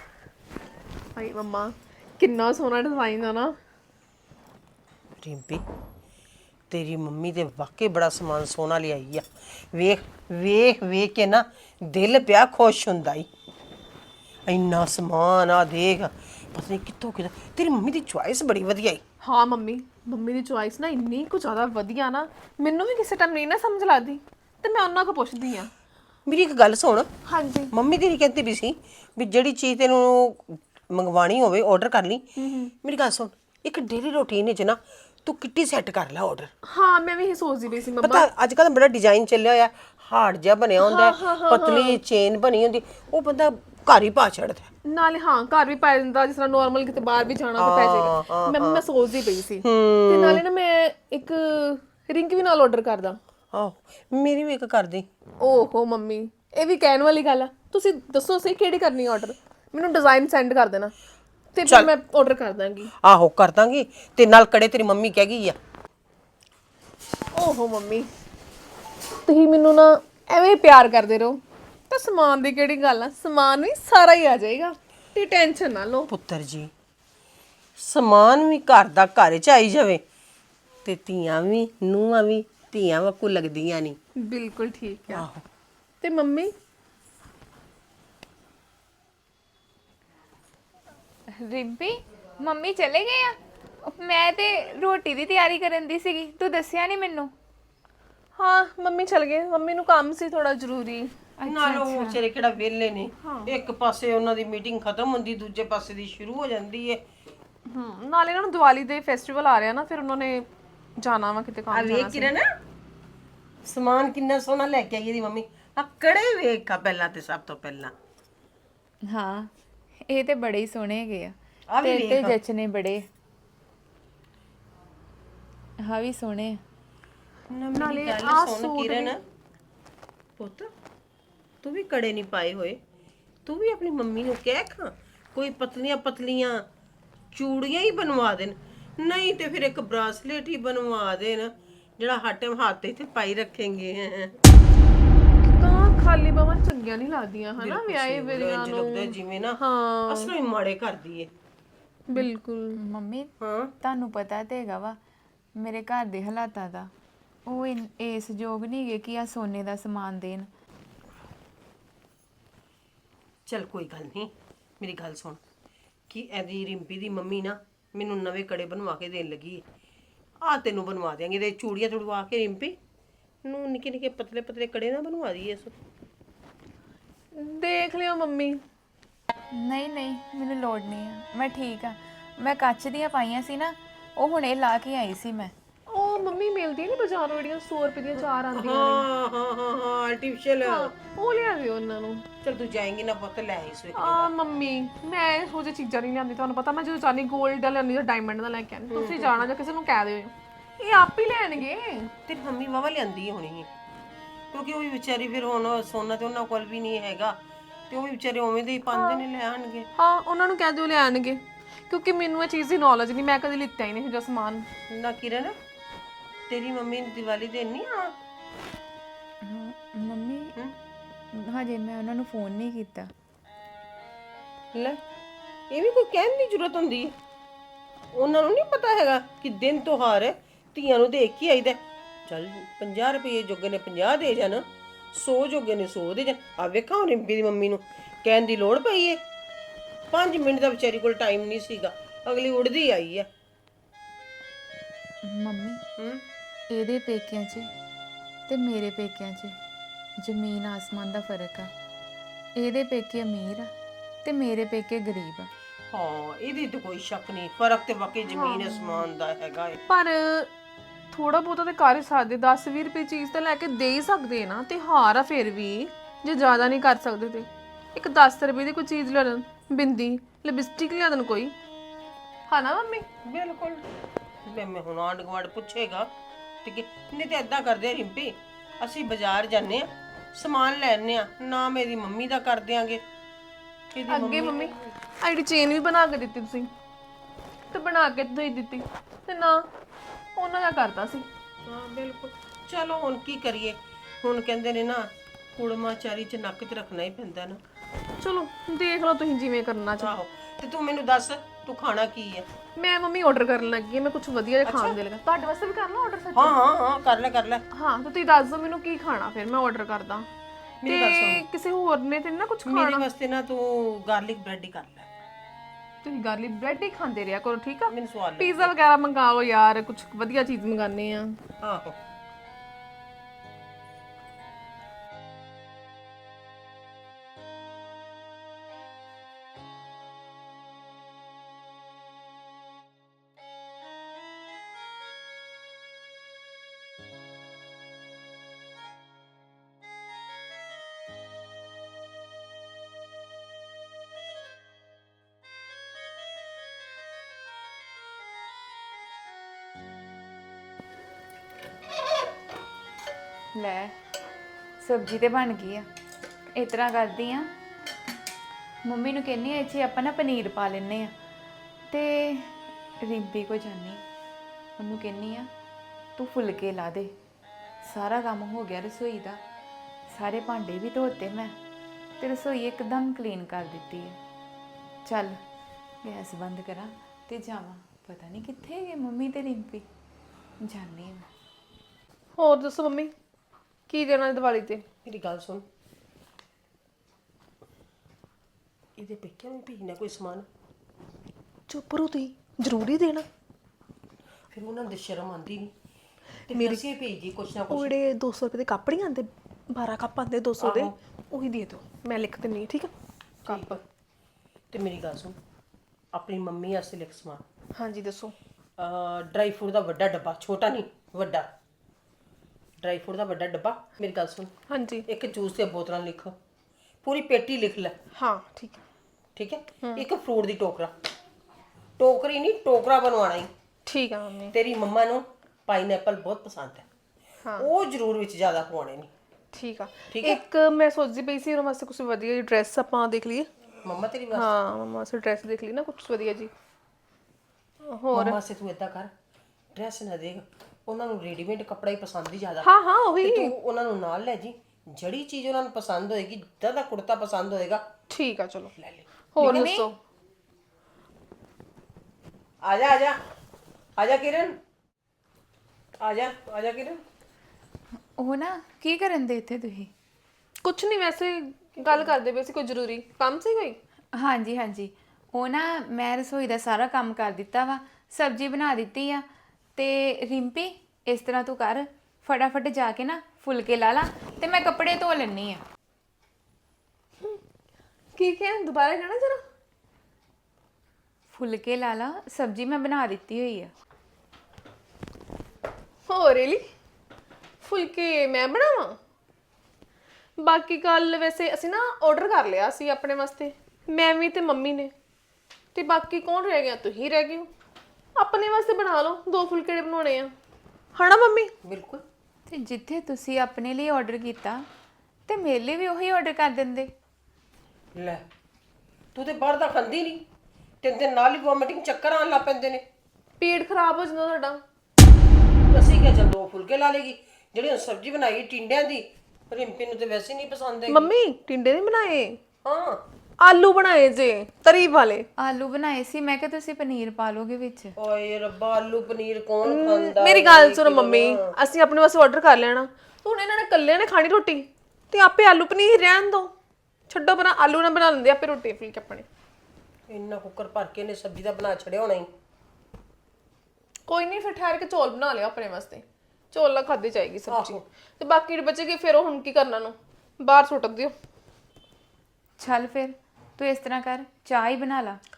[SPEAKER 3] ਹਾਈ ਮੰਮਾ, ਕਿੰਨਾ ਸੋਹਣਾ ਡਿਜ਼ਾਈਨ ਆ ਨਾ।
[SPEAKER 1] ਰਿੰਪੀ, ਤੇਰੀ ਮੰਮੀ ਤੇ ਵਾਕਈ ਬੜਾ ਸਮਾਨ ਸੋਨਾ ਲਿਆਈ ਆ। ਵੇਖ ਵੇਖ ਵੇਖ ਕੇ ਨਾ ਦਿਲ ਪਿਆ ਖੁਸ਼ ਹੁੰਦਾ ਈ। ਇੰਨਾ ਸਮਾਨ ਆ, ਦੇਖ, ਪਤਾ ਨਹੀਂ ਕਿੱਥੋਂ ਕਿੱਥੋਂ। ਤੇਰੀ ਮੰਮੀ ਦੀ ਚੁਆਇਸ ਬੜੀ ਵਧੀਆ ਈ।
[SPEAKER 3] ਹਾਂ ਮੰਮੀ, ਮੰਮੀ ਦੀ ਚੋਇਸ ਨਾ ਇੰਨੀ ਕੁ ਜ਼ਿਆਦਾ ਵਧੀਆ ਨਾ, ਮੈਨੂੰ ਵੀ ਕਿਸੇ ਟਾਈਮ ਨਹੀਂ ਨਾ ਸਮਝ ਲੱਗਦੀ ਤੇ ਮੈਂ ਉਹਨਾਂ ਕੋਲ ਪੁੱਛਦੀ ਆ।
[SPEAKER 1] ਮੇਰੀ ਇੱਕ ਗੱਲ ਸੁਣ,
[SPEAKER 3] ਹਾਂਜੀ
[SPEAKER 1] ਮੰਮੀ ਤੇਰੀ ਕਹਿੰਦੀ ਵੀ ਸੀ ਵੀ ਜਿਹੜੀ ਚੀਜ਼ ਤੈਨੂੰ ਮੰਗਵਾਣੀ ਹੋਵੇ ਆਰਡਰ ਕਰ ਲਈ। ਮੇਰੀ ਗੱਲ ਸੁਣ, ਇੱਕ ਡੇਲੀ ਰੂਟੀਨ ਵਿੱਚ ਨਾ ਤੂੰ ਕਿੱਟੀ ਸੈੱਟ ਕਰ ਲੈ ਆਰਡਰ।
[SPEAKER 3] ਹਾਂ ਮੈਂ ਵੀ ਇਹ ਸੋਚਦੀ ਪਈ ਸੀ ਮੰਮਾ।
[SPEAKER 1] ਪਤਾ ਅੱਜ ਕੱਲ੍ਹ ਬੜਾ ਡਿਜ਼ਾਈਨ ਚੱਲਿਆ ਹੋਇਆ, ਹਾਰਡ ਜਿਹਾ ਬਣਿਆ ਹੁੰਦਾ, ਪਤਲੀ ਚੇਨ ਬਣੀ ਹੁੰਦੀ, ਉਹ ਬੰਦਾ ਘਰ ਹੀ ਪਾ ਛੱਡਦਾ।
[SPEAKER 3] ਨਾਲੇ ਹਾਂ ਘਰ ਵੀ ਪੈ ਜਾਂਦਾ, ਜਿਸ ਤਰ੍ਹਾਂ ਨਾਰਮਲ ਕਿਤੇ ਬਾਹਰ ਵੀ ਜਾਣਾ ਤਾਂ ਪੈ ਜਾਏਗਾ। ਮੈਂ ਮੈਂ ਸੋਚਦੀ ਪਈ ਸੀ। ਤੇ ਨਾਲੇ ਨਾ ਮੈਂ ਇੱਕ ਰਿੰਗ ਵੀ ਨਾਲ ਆਰਡਰ ਕਰਦਾ।
[SPEAKER 1] ਆਹੋ, ਮੇਰੀ ਵੀ ਇੱਕ ਕਰ ਦੇ।
[SPEAKER 3] ਓਹੋ ਮੰਮੀ, ਇਹ ਵੀ ਕਹਿਣ ਵਾਲੀ ਗੱਲ ਆ। ਤੁਸੀਂ ਦੱਸੋ ਸਹੀ ਕਿਹੜੀ ਕਰਨੀ ਆਰਡਰ, ਮੈਨੂੰ ਡਿਜ਼ਾਈਨ ਸੈਂਡ ਕਰ ਦੇਣਾ ਤੇ ਫਿਰ ਮੈਂ ਆਰਡਰ ਕਰ ਦਾਂਗੀ।
[SPEAKER 1] ਆਹੋ ਕਰ ਦਾਂਗੀ, ਤੇ ਨਾਲ ਕੜੇ ਤੇਰੀ ਮੰਮੀ ਕਹਿ ਗਈ ਆ।
[SPEAKER 3] ਓਹੋ ਮੰਮੀ, ਤੁਸੀਂ ਮੈਨੂੰ ਨਾ ਐਵੇਂ ਪਿਆਰ ਕਰਦੇ ਰਹੋ ਤਾਂ ਸਮਾਨ ਦੀ ਕਿਹੜੀ ਗੱਲ ਆ, ਸਮਾਨ ਵੀ ਸਾਰਾ ਹੀ ਆ ਜਾਏਗਾ, ਤੇ ਟੈਨਸ਼ਨ ਨਾ ਲਓ।
[SPEAKER 1] ਪੁੱਤਰ ਜੀ, ਸਮਾਨ ਵੀ ਘਰ ਦਾ ਘਰ ਚ ਆਈ ਜਾਵੇ ਤੇ ਧੀਆਂ ਵੀ ਨੂੰਹਾਂ ਵੀ ਧੀਆਂ ਵਾਂਗੂ ਲੱਗਦੀਆਂ ਨਹੀਂ।
[SPEAKER 3] ਬਿਲਕੁਲ ਠੀਕ ਆ।
[SPEAKER 1] ਆਹੋ,
[SPEAKER 3] ਤੇ ਮੰਮੀ
[SPEAKER 4] ਰਿੰਪੀ ਮੰਮੀ ਚਲੇ ਗਏ ਆ? ਮੈਂ ਤੇ ਰੋਟੀ ਦੀ ਤਿਆਰੀ ਕਰਨ ਦੀ ਸੀਗੀ, ਤੂੰ ਦੱਸਿਆ ਨਹੀਂ ਮੈਨੂੰ।
[SPEAKER 3] ਹਾਂ ਮੰਮੀ ਚਲ ਗਏ, ਮੰਮੀ ਨੂੰ ਕੰਮ ਸੀ ਥੋੜਾ ਜ਼ਰੂਰੀ।
[SPEAKER 1] ਨਾਲੋਂ ਵਿਚਾਰੇ ਕਿਹੜਾ ਵਿਹਲੇ ਨੇ। ਇੱਕ ਪਾਸੇ ਉਹਨਾਂ ਦੀ ਮੀਟਿੰਗ ਖਤਮ ਹੁੰਦੀ, ਦੂਜੇ ਪਾਸੇ ਦੀ ਸ਼ੁਰੂ ਹੋ ਜਾਂਦੀ ਹੈ।
[SPEAKER 3] ਹੂੰ, ਨਾਲੇ ਇਹਨਾਂ ਨੂੰ ਦੀਵਾਲੀ ਦੇ ਫੈਸਟੀਵਲ ਆ ਰਿਹਾ ਨਾ, ਫਿਰ ਉਹਨਾਂ ਨੇ ਜਾਣਾ ਵਾ ਕਿਤੇ
[SPEAKER 1] ਆ
[SPEAKER 3] ਕੰਮ
[SPEAKER 1] ਵੇਖ ਕਿਰਨ, ਸਮਾਨ ਕਿੰਨਾ ਸੋਹਣਾ ਲੈ ਕੇ ਆਈ ਇਹਦੀ ਮੰਮੀ। ਆ ਕੜੇ ਵੇਖਾ ਪਹਿਲਾਂ ਤੇ ਸਭ ਤੋਂ ਪਹਿਲਾਂ।
[SPEAKER 4] ਹਾਂ ਇਹ ਤੇ ਬੜੇ ਹੀ ਸੋਹਣੇ ਹੈਗੇ ਆ,
[SPEAKER 1] ਆ ਵੀ
[SPEAKER 4] ਤੇਰੇ ਤੇ
[SPEAKER 1] ਵੇਖ।
[SPEAKER 4] ਜਚਨੇ ਬੜੇ। ਹਾਂ ਵੀ ਸੋਹਣੇ ਆ।
[SPEAKER 1] ਨਾ ਮੇਰੀ
[SPEAKER 3] ਨਾਲੇ
[SPEAKER 1] ਗੱਲ
[SPEAKER 3] ਆਹ
[SPEAKER 1] ਸੁਣ
[SPEAKER 3] ਸੂਟ
[SPEAKER 1] ਕਿਰਨ
[SPEAKER 3] ਵੀ-
[SPEAKER 1] ਪੁੱਤ ਤੂੰ ਵੀ ਕੜੇ ਨਹੀਂ ਪਾਏ ਹੋਏ ਤੂੰ ਵੀ ਆਪਣੀ ਮੰਮੀ ਨੂੰ ਕਹਿ ਖਾਂ ਕੋਈ ਪਤਲੀਆਂ ਪਤਲੀਆਂ ਚੂੜੀਆਂ ਹੀ ਬਣਵਾ ਦੇਣ ਨਹੀਂ ਤੇ ਫਿਰ ਇੱਕ ਬ੍ਰਾਸਲੇਟ ਹੀ ਬਣਵਾ ਦੇਣ ਜਿਹੜਾ ਹਰ ਟਾਈਮ ਹੱਥ ਇੱਥੇ ਪਾਈ ਰੱਖेंगे
[SPEAKER 3] ਤਾਂ ਖਾਲੀ ਬਾਹਾਂ ਚੰਗੀਆਂ ਨਹੀਂ ਲੱਗਦੀਆਂ ਹਨਾ ਵਿਆਹੇ ਵੇਲਿਆਂ
[SPEAKER 1] ਇੰਜ ਲੱਗਦਾ ਜਿਵੇਂ ਨਾ
[SPEAKER 3] ਹਾਂ
[SPEAKER 1] ਅਸਲੋਂ ਹੀ ਮਾੜੇ ਕਰਦੀ ਏ
[SPEAKER 3] ਬਿਲਕੁਲ
[SPEAKER 4] ਮੰਮੀ
[SPEAKER 1] ਹਾਂ
[SPEAKER 4] ਤੁਹਾਨੂੰ ਪਤਾ ਤੇ ਹੈਗਾ ਵਾ ਮੇਰੇ ਘਰ ਦੇ ਹਾਲਾਤਾਂ ਦਾ ਉਹ ਇਨ- ਇਸ ਯੋਗ ਨਹੀਂ ਹੈਗੇ ਕਿ ਆ ਸੋਨੇ ਦਾ ਸਮਾਨ ਦੇਣ।
[SPEAKER 1] ਚਲ ਕੋਈ ਗੱਲ ਨਹੀਂ ਮੇਰੀ ਗੱਲ ਸੁਣ ਕਿ ਇਹਦੀ ਰਿੰਪੀ ਦੀ ਮੰਮੀ ਨਾ ਮੈਨੂੰ ਨਵੇਂ ਕੜੇ ਬਣਵਾ ਕੇ ਦੇਣ ਲੱਗੀ ਆ ਤੈਨੂੰ ਬਣਵਾ ਦਿਆਂਗੇ ਤੇ ਚੂੜੀਆਂ ਤੁੜਵਾ ਕੇ ਰਿੰਪੀ ਨੂੰ ਨਿੱਕੇ ਨਿੱਕੇ ਪਤਲੇ ਪਤਲੇ ਕੜੇ ਨਾ ਬਣਵਾ ਦਈਏ ਇਸ
[SPEAKER 3] ਦੇਖ ਲਿਓ ਮੰਮੀ।
[SPEAKER 4] ਨਹੀਂ ਨਹੀਂ ਮੈਨੂੰ ਲੋੜ ਨਹੀਂ ਆ ਮੈਂ ਠੀਕ ਆ। ਮੈਂ ਕੱਚ ਦੀਆਂ ਪਾਈਆਂ ਸੀ ਨਾ ਉਹ ਹੁਣੇ ਲਾ ਕੇ ਆਈ ਸੀ ਮੈਂ।
[SPEAKER 3] ਉਹ ਮੰਮੀ ਮਿਲਦੀ ਨਹੀਂ ਬਾਜ਼ਾਰੋਂ ਜਿਹੜੀਆਂ ਸੌ ਰੁਪਏ ਦੀਆਂ ਚਾਰ ਆਉਂਦੀਆਂ
[SPEAKER 1] ਹਾਂ ਹਾਂ ਹਾਂ ਹਾਂ ਆਰਟੀਫੀਸ਼ੀਅਲ
[SPEAKER 3] ਉਹ ਲਿਆ ਦਿਓ ਉਹਨਾਂ ਨੂੰ।
[SPEAKER 1] ਚਲ ਤੂੰ ਜਾਏਂਗੀ ਨਾ ਪੁੱਤ ਲੈ ਆਈ ਸੋ
[SPEAKER 3] ਆ ਮੰਮੀ ਮੈਂ ਇਹੋ ਜਿਹੀ ਚੀਜ਼ਾਂ ਨਹੀਂ ਲਿਆਂਦੀ ਤੁਹਾਨੂੰ ਪਤਾ ਮੈਂ ਜਦੋਂ ਚਾਹਨੀ 골ਡ ਦਾ ਲਿਆਂਦੀ ਜਾਂ ਡਾਇਮੰਡ ਦਾ ਲੈ ਕੇ ਆਉਂਦੀ ਤੁਸੀਂ ਜਾਣਾ ਜਾਂ ਕਿਸੇ ਨੂੰ ਕਹਿ ਦਿਓ ਇਹ ਆਪ ਹੀ ਲੈਣਗੇ।
[SPEAKER 1] ਤੇਰੀ ਮੰਮੀ ਵਾਵਾ ਲਿਆਂਦੀ ਹੋਣੀ ਕਿਉਂਕਿ ਉਹ ਵੀ ਵਿਚਾਰੀ ਫਿਰ ਹੁਣ ਸੋਨਾ ਤੇ ਉਹਨਾਂ ਕੋਲ ਵੀ ਨਹੀਂ ਹੈਗਾ ਤੇ ਉਹ ਵੀ ਵਿਚਾਰੇ ਉਵੇਂ ਦੇ ਹੀ ਪਾਉਂਦੇ ਨੇ ਲੈ ਆਣਗੇ
[SPEAKER 3] ਹਾਂ ਉਹਨਾਂ ਨੂੰ ਕਹਿ ਦਿਓ ਲਿਆਣਗੇ ਕਿਉਂਕਿ ਮੈਨੂੰ ਇਹ ਚੀਜ਼ ਦੀ ਨੌਲੇਜ ਨਹੀਂ ਮੈਂ ਕਦੇ ਲਿੱਤਾ ਹੀ ਨਹੀਂ ਜੋ ਸਮਾਨ।
[SPEAKER 1] ਨਾ ਕਿਰਨ ਤੇਰੀ ਮੰਮੀ ਨੂੰ ਦੀਵਾਲੀ ਦੇ ਨਹੀਂ ਆ
[SPEAKER 4] ਹਾਂ, ਮੰਮੀ ਹਜੇ ਮੈਂ ਉਹਨਾਂ ਨੂੰ ਫੋਨ ਨਹੀਂ ਕੀਤਾ।
[SPEAKER 1] ਲੈ ਇਹ ਵੀ ਕੋਈ ਕਹਿਣ ਦੀ ਜ਼ਰੂਰਤ ਹੁੰਦੀ ਹੈ ਉਹਨਾਂ ਨੂੰ ਨਹੀਂ ਪਤਾ ਹੈਗਾ ਕਿ ਦਿਨ ਤਿਉਹਾਰ ਹੈ ਧੀਆਂ ਨੂੰ ਦੇਖ ਕੇ ਆਈਦਾ ਚੱਲ ਪੰਜਾਹ ਰੁਪਏ ਜੋਗੇ ਨੇ ਪੰਜਾਹ ਦੇ ਜਾਣ ਸੌ ਜੋਗੇ ਨੇ ਸੌ ਦੇ ਜਾਣ ਆ ਵੇਖਾਂ ਹੁਣ ਰਿੰਪੀ ਦੀ ਮੰਮੀ ਨੂੰ ਕਹਿਣ ਦੀ ਲੋੜ ਪਈ ਏ ਪੰਜ ਮਿੰਟ ਦਾ ਵਿਚਾਰੀ ਕੋਲ ਟਾਈਮ ਨਹੀਂ ਸੀਗਾ ਅਗਲੀ ਉੜਦੀ ਆਈ ਹੈ
[SPEAKER 4] ਮੰਮੀ
[SPEAKER 1] ਹੂੰ
[SPEAKER 4] ਇਹਦੇ ਪੇਕਿਆਂ 'ਚ ਤੇ ਮੇਰੇ ਪੇਕਿਆਂ 'ਚ ਜ਼ਮੀਨ ਆਸਮਾਨ ਦਾ ਫਰਕ ਆ। ਇਹਦੇ ਪੇਕੇ ਅਮੀਰ ਆ ਤੇ ਮੇਰੇ ਪੇਕੇ ਗਰੀਬ ਆ।
[SPEAKER 1] ਹਾਂ ਇਹਦੀ ਤਾਂ ਕੋਈ ਸ਼ੱਕ ਨਹੀਂ ਫਰਕ ਤੇ ਵਾਕਈ ਜ਼ਮੀਨ ਅਸਮਾਨ ਦਾ ਹੈਗਾ ਏ
[SPEAKER 3] ਪਰ ਥੋੜਾ ਬਹੁਤਾ ਤੇ ਕਰ ਹੀ ਸਕਦੇ ਦਸ ਵੀਹ ਰੁਪਏ ਚੀਜ਼ ਤਾਂ ਲੈ ਕੇ ਦੇ ਹੀ ਸਕਦੇ ਨਾ ਤੇ ਹਾਰ ਆ ਫਿਰ ਵੀ ਜੇ ਜ਼ਿਆਦਾ ਨਹੀਂ ਕਰ ਸਕਦੇ ਤੇ ਇੱਕ ਦਸ ਰੁਪਏ ਦੀ ਕੋਈ ਚੀਜ਼ ਲੈ ਲੈਣ ਬਿੰਦੀ ਲਿਪਸਟਿਕ ਲਿਆ ਦੇਣ ਕੋਈ ਹਾਂ ਨਾ ਮੰਮੀ।
[SPEAKER 1] ਬਿਲਕੁਲ ਮੈਂ ਮੈਂ ਹੁਣ ਆਂਢ ਗੁਆਂਢ ਪੁੱਛੇਗਾ ਠੀਕ ਹੈ ਨਹੀਂ ਤੇ ਏਦਾਂ ਕਰਦੇ ਆ ਰਿੰਪੀ ਅਸੀਂ ਬਾਜ਼ਾਰ ਜਾਂਦੇ ਆ ਸਮਾਨ ਲੈਣੇ ਆ ਨਾ ਮੇਰੀ ਮੰਮੀ ਦਾ ਕਰ ਦਿਆਂਗੇ ਇਹਦੀ
[SPEAKER 3] ਅੱਗੇ ਮੰਮੀ ਆਈਡੀ ਚੇਨ ਵੀ ਬਣਾ ਕੇ ਦਿੱਤੀ ਤੁਸੀਂ ਤੇ ਬਣਾ ਕੇ ਦੇ ਦਿੱਤੀ ਤੇ ਨਾ ਉਹਨਾਂ ਦਾ ਕਰਦਾ ਸੀ।
[SPEAKER 1] ਹਾਂ ਬਿਲਕੁਲ ਚਲੋ ਹੁਣ ਕੀ ਕਰੀਏ ਹੁਣ ਕਹਿੰਦੇ ਨੇ ਨਾ ਕੁੜਮਾ ਚਾਰੀ ਚ ਨੱਕ ਤੇ ਰੱਖਣਾ ਹੀ ਪੈਂਦਾ ਨਾ
[SPEAKER 3] ਚਲੋ ਦੇਖ ਲਓ ਤੁਸੀਂ ਜਿਵੇਂ ਕਰਨਾ ਚਾਹੋ।
[SPEAKER 1] ਆਹੋ ਤੇ ਤੂੰ ਮੈਨੂੰ ਦੱਸ ਤੂੰ ਖਾਣਾ ਕੀ ਹੈ
[SPEAKER 3] ਮੈਂ ਮੰਮੀ ਆਰਡਰ ਕਰਨ ਲੱਗੀ ਹਾਂ ਮੈਂ ਕੁਝ ਵਧੀਆ ਜਿਹਾ ਖਾਣ ਦੇ ਲੱਗਾ ਤੁਹਾਡੇ ਵਾਸਤੇ ਵੀ ਕਰ ਲਾਂ ਆਰਡਰ ਸੱਚ।
[SPEAKER 1] ਹਾਂ ਹਾਂ ਹਾਂ ਕਰ ਲੈ ਕਰ ਲੈ
[SPEAKER 3] ਹਾਂ ਤੇ ਤੁਸੀਂ ਦੱਸ ਦਿਓ ਮੈਨੂੰ ਕੀ ਖਾਣਾ ਫਿਰ ਮੈਂ ਆਰਡਰ ਕਰਦਾ।
[SPEAKER 1] ਮੇਰੀ ਗੱਲ
[SPEAKER 3] ਤੇ ਕਿਸੇ ਹੋਰ ਨੇ ਤੇ ਨਾ ਕੁਝ ਖਾਣਾ
[SPEAKER 1] ਮੇਰੇ ਵਾਸਤੇ ਨਾ ਤੂੰ ਗਾਰਲਿਕ ਬ੍ਰੈਡ ਹੀ ਕਰ ਲੈ
[SPEAKER 3] ਤੁਸੀਂ ਗਾਰਲਿਕ ਬ੍ਰੈਡ ਹੀ ਖਾਂਦੇ ਰਿਹਾ ਕਰੋ ਠੀਕ ਆ।
[SPEAKER 1] ਮੈਨੂੰ ਸਵਾਲ
[SPEAKER 3] ਪੀਜ਼ਾ ਵਗੈਰਾ ਮੰਗਾ ਲਓ ਯਾਰ ਕੁਝ ਵਧੀਆ ਚੀਜ਼ ਮੰਗਾਨੇ ਆ।
[SPEAKER 1] ਆਹੋ
[SPEAKER 4] ਲੈ ਸਬਜ਼ੀ ਤੇ ਬਣ ਗਈ ਆ। ਇਸ ਤਰ੍ਹਾਂ ਕਰਦੀ ਆ ਮੰਮੀ ਨੂੰ ਕਹਿੰਨੀ ਆ ਇੱਥੇ ਆਪਾਂ ਨਾ ਪਨੀਰ ਪਾ ਲੈਨੇ ਆ ਤੇ ਰਿੰਪੀ ਕੋ ਜਾਨੀ ਉਹਨੂੰ ਕਹਿੰਨੀ ਆ ਤੂੰ ਫੁਲਕੇ ਲਾ ਦੇ। ਸਾਰਾ ਕੰਮ ਹੋ ਗਿਆ ਰਸੋਈ ਦਾ ਸਾਰੇ ਭਾਂਡੇ ਵੀ ਧੋਤੇ ਮੈਂ ਤੇ ਰਸੋਈ ਇੱਕਦਮ ਕਲੀਨ ਕਰ ਦਿੱਤੀ ਹੈ। ਚੱਲ ਗੈਸ ਬੰਦ ਕਰਾਂ ਤੇ ਜਾਵਾਂ ਪਤਾ ਨਹੀਂ ਕਿੱਥੇ ਗਏ ਮੰਮੀ ਤੇ ਰਿੰਪੀ ਜਾਨੀ ਆ।
[SPEAKER 3] ਹੋਰ ਦੱਸੋ ਮੰਮੀ ਕੀ ਦੇਣਾ ਦੀਵਾਲੀ ਤੇ।
[SPEAKER 1] ਮੇਰੀ ਗੱਲ ਸੁਣ ਇਹਦੇ ਪੇਕਿਆਂ ਨੂੰ ਭੇਜਣਾ ਕੋਈ ਸਮਾਨ
[SPEAKER 3] ਚੁੱਪ ਰਹੋ ਤੁਸੀਂ ਜ਼ਰੂਰੀ ਦੇਣਾ।
[SPEAKER 1] ਫਿਰ ਉਹਨਾਂ ਦੇ ਸ਼ਰਮ ਆਉਂਦੀ ਨਹੀਂ ਤੇ ਮੇਰੇ ਅਸੀਂ ਭੇਜੀ ਕੁਛ ਨਾ ਕੁਛ
[SPEAKER 3] ਉਹੜੇ ਦੋ ਸੌ ਰੁਪਏ ਦੇ ਕੱਪ ਨਹੀਂ ਆਉਂਦੇ ਬਾਰਾਂ ਕੱਪ ਆਉਂਦੇ ਦੋ ਸੌ ਦੇ ਉਹੀ ਦੇ ਦਿਓ ਮੈਂ ਲਿਖ ਦਿੰਨੀ ਹਾਂ ਠੀਕ ਆ
[SPEAKER 1] ਕੱਪ ਤੇ ਮੇਰੀ ਗੱਲ ਸੁਣ ਆਪਣੀ ਮੰਮੀ ਵਾਸਤੇ ਲਿਖ ਸਮਾਨ
[SPEAKER 3] ਹਾਂਜੀ ਦੱਸੋ।
[SPEAKER 1] ਡਰਾਈ ਫਰੂਟ ਦਾ ਵੱਡਾ ਡੱਬਾ ਛੋਟਾ ਨਹੀਂ ਵੱਡਾ ਡਰਾਈ ਫਰੂਟ ਦਾ ਵੱਡਾ ਡੱਬਾ ਮੇਰੀ ਗੱਲ ਸੁਣ
[SPEAKER 3] ਹਾਂਜੀ
[SPEAKER 1] ਇੱਕ ਜੂਸ ਦੀਆਂ ਬੋਤਲਾਂ ਲਿਖ ਪੂਰੀ ਪੇਟੀ ਲਿਖ ਲੈ
[SPEAKER 3] ਹਾਂ ਠੀਕ ਹੈ
[SPEAKER 1] ਠੀਕ ਹੈ ਇੱਕ ਫਰੂਟ ਦੀ ਟੋਕਰਾ ਟੋਕਰੀ ਨਹੀਂ ਟੋਕਰਾ ਬਣਵਾਉਣਾ ਹੀ
[SPEAKER 3] ਠੀਕ ਹੈ ਮੰਮੀ।
[SPEAKER 1] ਤੇਰੀ ਮੰਮਾ ਨੂੰ ਪਾਈਨਐਪਲ ਬਹੁਤ ਪਸੰਦ ਹੈ ਉਹ ਜ਼ਰੂਰ ਵਿੱਚ ਜ਼ਿਆਦਾ ਪਵਾਉਣੇ ਨੇ।
[SPEAKER 3] ਠੀਕ ਆ। ਇੱਕ ਮੈਂ ਸੋਚਦੀ ਪਈ ਸੀ ਉਹਨਾਂ ਵਾਸਤੇ ਕੁਝ ਵਧੀਆ ਜਿਹੀ ਡਰੈਸ ਆਪਾਂ ਦੇਖ ਲਈਏ।
[SPEAKER 1] ਮੰਮਾ ਤੇਰੀ ਵਾਸਤੇ
[SPEAKER 3] ਹਾਂ ਮੰਮਾ ਵਾਸਤੇ ਡਰੈਸ ਦੇਖ ਲਈ ਨਾ ਕੁਝ ਵਧੀਆ ਜੀ। ਹੋਰ
[SPEAKER 1] ਮੰਮਾ ਸੇ ਤੂੰ ਏਦਾਂ ਕਰ, ਡਰੈਸ ਨਾ ਦੇਖ, ਉਹਨਾਂ ਨੂੰ ਰੈਡੀਮੇਡ ਕੱਪੜਾ ਹੀ ਪਸੰਦ ਹੀ ਜ਼ਿਆਦਾ।
[SPEAKER 3] ਹਾਂ ਹਾਂ ਉਹੀ।
[SPEAKER 1] ਤੇ ਤੂੰ ਉਹਨਾਂ ਨੂੰ ਨਾਲ ਲੈ ਜੀ, ਜਿਹੜੀ ਚੀਜ਼ ਉਹਨਾਂ ਨੂੰ ਪਸੰਦ ਹੋਏਗੀ, ਜਿੱਦਾਂ ਦਾ ਕੁੜਤਾ ਪਸੰਦ ਹੋਏਗਾ
[SPEAKER 3] ਠੀਕ ਆ ਚਲੋ।
[SPEAKER 1] ਲੈ ਲੈ।
[SPEAKER 3] ਹੋਰ ਦੱਸੋ।
[SPEAKER 1] ਆ ਜਾ ਆ ਜਾ ਆ ਜਾ ਕਿਰਨ, ਆ ਜਾ ਆ ਜਾ ਕਿਰਨ।
[SPEAKER 4] ਉਹ ਨਾ ਕੀ ਕਰਨ ਦੇ ਇੱਥੇ ਤੁਸੀਂ?
[SPEAKER 3] ਕੁਝ ਨਹੀਂ, ਵੈਸੇ ਗੱਲ ਕਰਦੇ ਪਏ ਸੀ, ਕੋਈ ਜ਼ਰੂਰੀ ਕੰਮ ਸੀ ਕੋਈ?
[SPEAKER 4] ਹਾਂਜੀ ਹਾਂਜੀ, ਉਹ ਨਾ ਮੈਂ ਰਸੋਈ ਦਾ ਸਾਰਾ ਕੰਮ ਕਰ ਦਿੱਤਾ ਵਾ, ਸਬਜ਼ੀ ਬਣਾ ਦਿੱਤੀ ਆ। ਤੇ ਰਿੰਪੀ ਇਸ ਤਰ੍ਹਾਂ ਤੂੰ ਕਰ, ਫਟਾਫਟ ਜਾ ਕੇ ਨਾ ਫੁਲਕੇ ਲਾ ਲਾ ਤੇ ਮੈਂ ਕੱਪੜੇ ਧੋ ਲੈਣੀ ਆ।
[SPEAKER 3] ਕੀ ਕਿਹਾ, ਦੁਬਾਰਾ ਕਹਿਣਾ ਜਰਾ।
[SPEAKER 4] ਫੁਲਕੇ ਲਾ ਲਾ, ਸਬਜ਼ੀ ਮੈਂ ਬਣਾ ਦਿੱਤੀ ਹੋਈ ਆ।
[SPEAKER 3] ਹੋ ਰੀਲੀ? ਫੁਲਕੇ ਮੈਂ ਬਣਾਵਾਂ? ਬਾਕੀ ਕੱਲ ਵੈਸੇ ਅਸੀਂ ਨਾ ਆਰਡਰ ਕਰ ਲਿਆ ਸੀ ਆਪਣੇ ਵਾਸਤੇ, ਮੈਂ ਵੀ ਤੇ ਮੰਮੀ ਨੇ, ਤੇ ਬਾਕੀ ਕੌਣ ਰਹਿ ਗਿਆ? ਤੁਸੀਂ ਰਹਿ ਗਏ ਹੋ। ਆਪਣੇ ਵਾਸਤੇ ਬਣਾ ਲਓ, ਦੋ ਫੁਲਕੇ ਬਣਾਉਣੇ ਆ, ਹਨਾ ਮੰਮੀ?
[SPEAKER 1] ਬਿਲਕੁਲ।
[SPEAKER 4] ਤੇ ਜਿੱਥੇ ਤੁਸੀਂ ਆਪਣੇ ਲਈ ਆਰਡਰ ਕੀਤਾ ਤੇ ਮੇਰੇ ਲਈ ਵੀ ਉਹੀ ਆਰਡਰ ਕਰ ਦਿੰਦੇ।
[SPEAKER 1] ਲੈ ਤੂੰ ਤੇ ਬਾਹਰ ਦਾ ਖਾਂਦੀ ਨਹੀਂ, ਤਿੰਨ ਦਿਨ ਨਾਲ ਹੀ ਵੋਮਿਟਿੰਗ ਚੱਕਰ ਆਉਣ ਲੱਗ ਪੈਂਦੇ ਨੇ।
[SPEAKER 3] ਪੇਟ ਖਰਾਬ ਹੋ ਜਾਂਦਾ ਤੁਹਾਡਾ।
[SPEAKER 1] ਅਸੀਂ ਕਿਹਾ ਚੱਲ ਦੋ ਫੁਲਕੇ ਲਾ ਲੇਗੀ, ਜਿਹੜੀ ਹੁਣ ਸਬਜ਼ੀ ਬਣਾਈ ਟਿੰਡਿਆਂ ਦੀ, ਰਿੰਪੀ ਨੂੰ ਤੇ ਵੈਸੇ ਨਹੀਂ ਪਸੰਦ ਹੈ।
[SPEAKER 3] ਮੰਮੀ ਟਿੰਡੇ ਨਹੀਂ ਬਣਾਏ,
[SPEAKER 1] ਹਾਂ
[SPEAKER 3] ਆਲੂ ਬਣਾਏ ਜੇ ਤਰੀ ਵਾਲੇ।
[SPEAKER 4] ਆਲੂ ਬਣਾਏ ਸੀ, ਮੈਂ ਕਿਹਾ ਤੁਸੀਂ ਪਨੀਰ ਪਾ ਲੋਗੇ ਵਿੱਚ।
[SPEAKER 1] ਓਏ ਰੱਬਾ, ਆਲੂ ਪਨੀਰ ਕੌਣ ਖਾਂਦਾ?
[SPEAKER 3] ਮੇਰੀ ਗੱਲ ਸੁਣੋ ਮੰਮੀ, ਅਸੀਂ ਆਪਣੇ ਵਾਸਤੇ ਆਰਡਰ ਕਰ ਲੈਣਾ, ਹੁਣ ਇਹਨਾਂ ਨੇ ਇਕੱਲਿਆਂ ਨੇ ਖਾਣੀ ਰੋਟੀ, ਤੇ ਆਪੇ ਆਲੂ ਪਨੀਰ ਰਹਿਣ ਦੋ, ਛੱਡੋ ਪਰਾਂ, ਆਲੂ ਨਾ ਬਣਾ ਲੈਂਦੇ ਆਪੇ ਰੋਟੀ ਫੁਲਕੇ ਆਪਣੇ।
[SPEAKER 1] ਇੰਨਾ ਕੁੱਕਰ ਭਰ ਕੇ ਨੇ ਸਬਜ਼ੀ ਦਾ ਬਣਾ ਛੜਿਆ ਹੋਣਾ ਹੀ।
[SPEAKER 3] ਕੋਈ ਨਹੀਂ, ਫਿਰ ਠਹਿਰ ਕੇ ਚੌਲ ਬਣਾ ਲਿਓ ਆਪਣੇ ਵਾਸਤੇ, ਚੌਲ ਨਾਲ ਖਾਧੀ ਜਾਏਗੀ ਸਬਜ਼ੀ, ਤੇ ਬਾਕੀ ਬਚੇਗੀ ਫਿਰ ਉਹ ਹੁਣ ਕੀ ਕਰਨਾ ਨੂੰ ਬਾਹਰ ਸੁੱਟ ਦਿਓ।
[SPEAKER 4] ਚੱਲ ਫਿਰ ਤੂੰ ਇਸ ਤਰ੍ਹਾਂ ਕਰ, ਚਾਹ ਹੀ ਬਣਾ ਲਾ।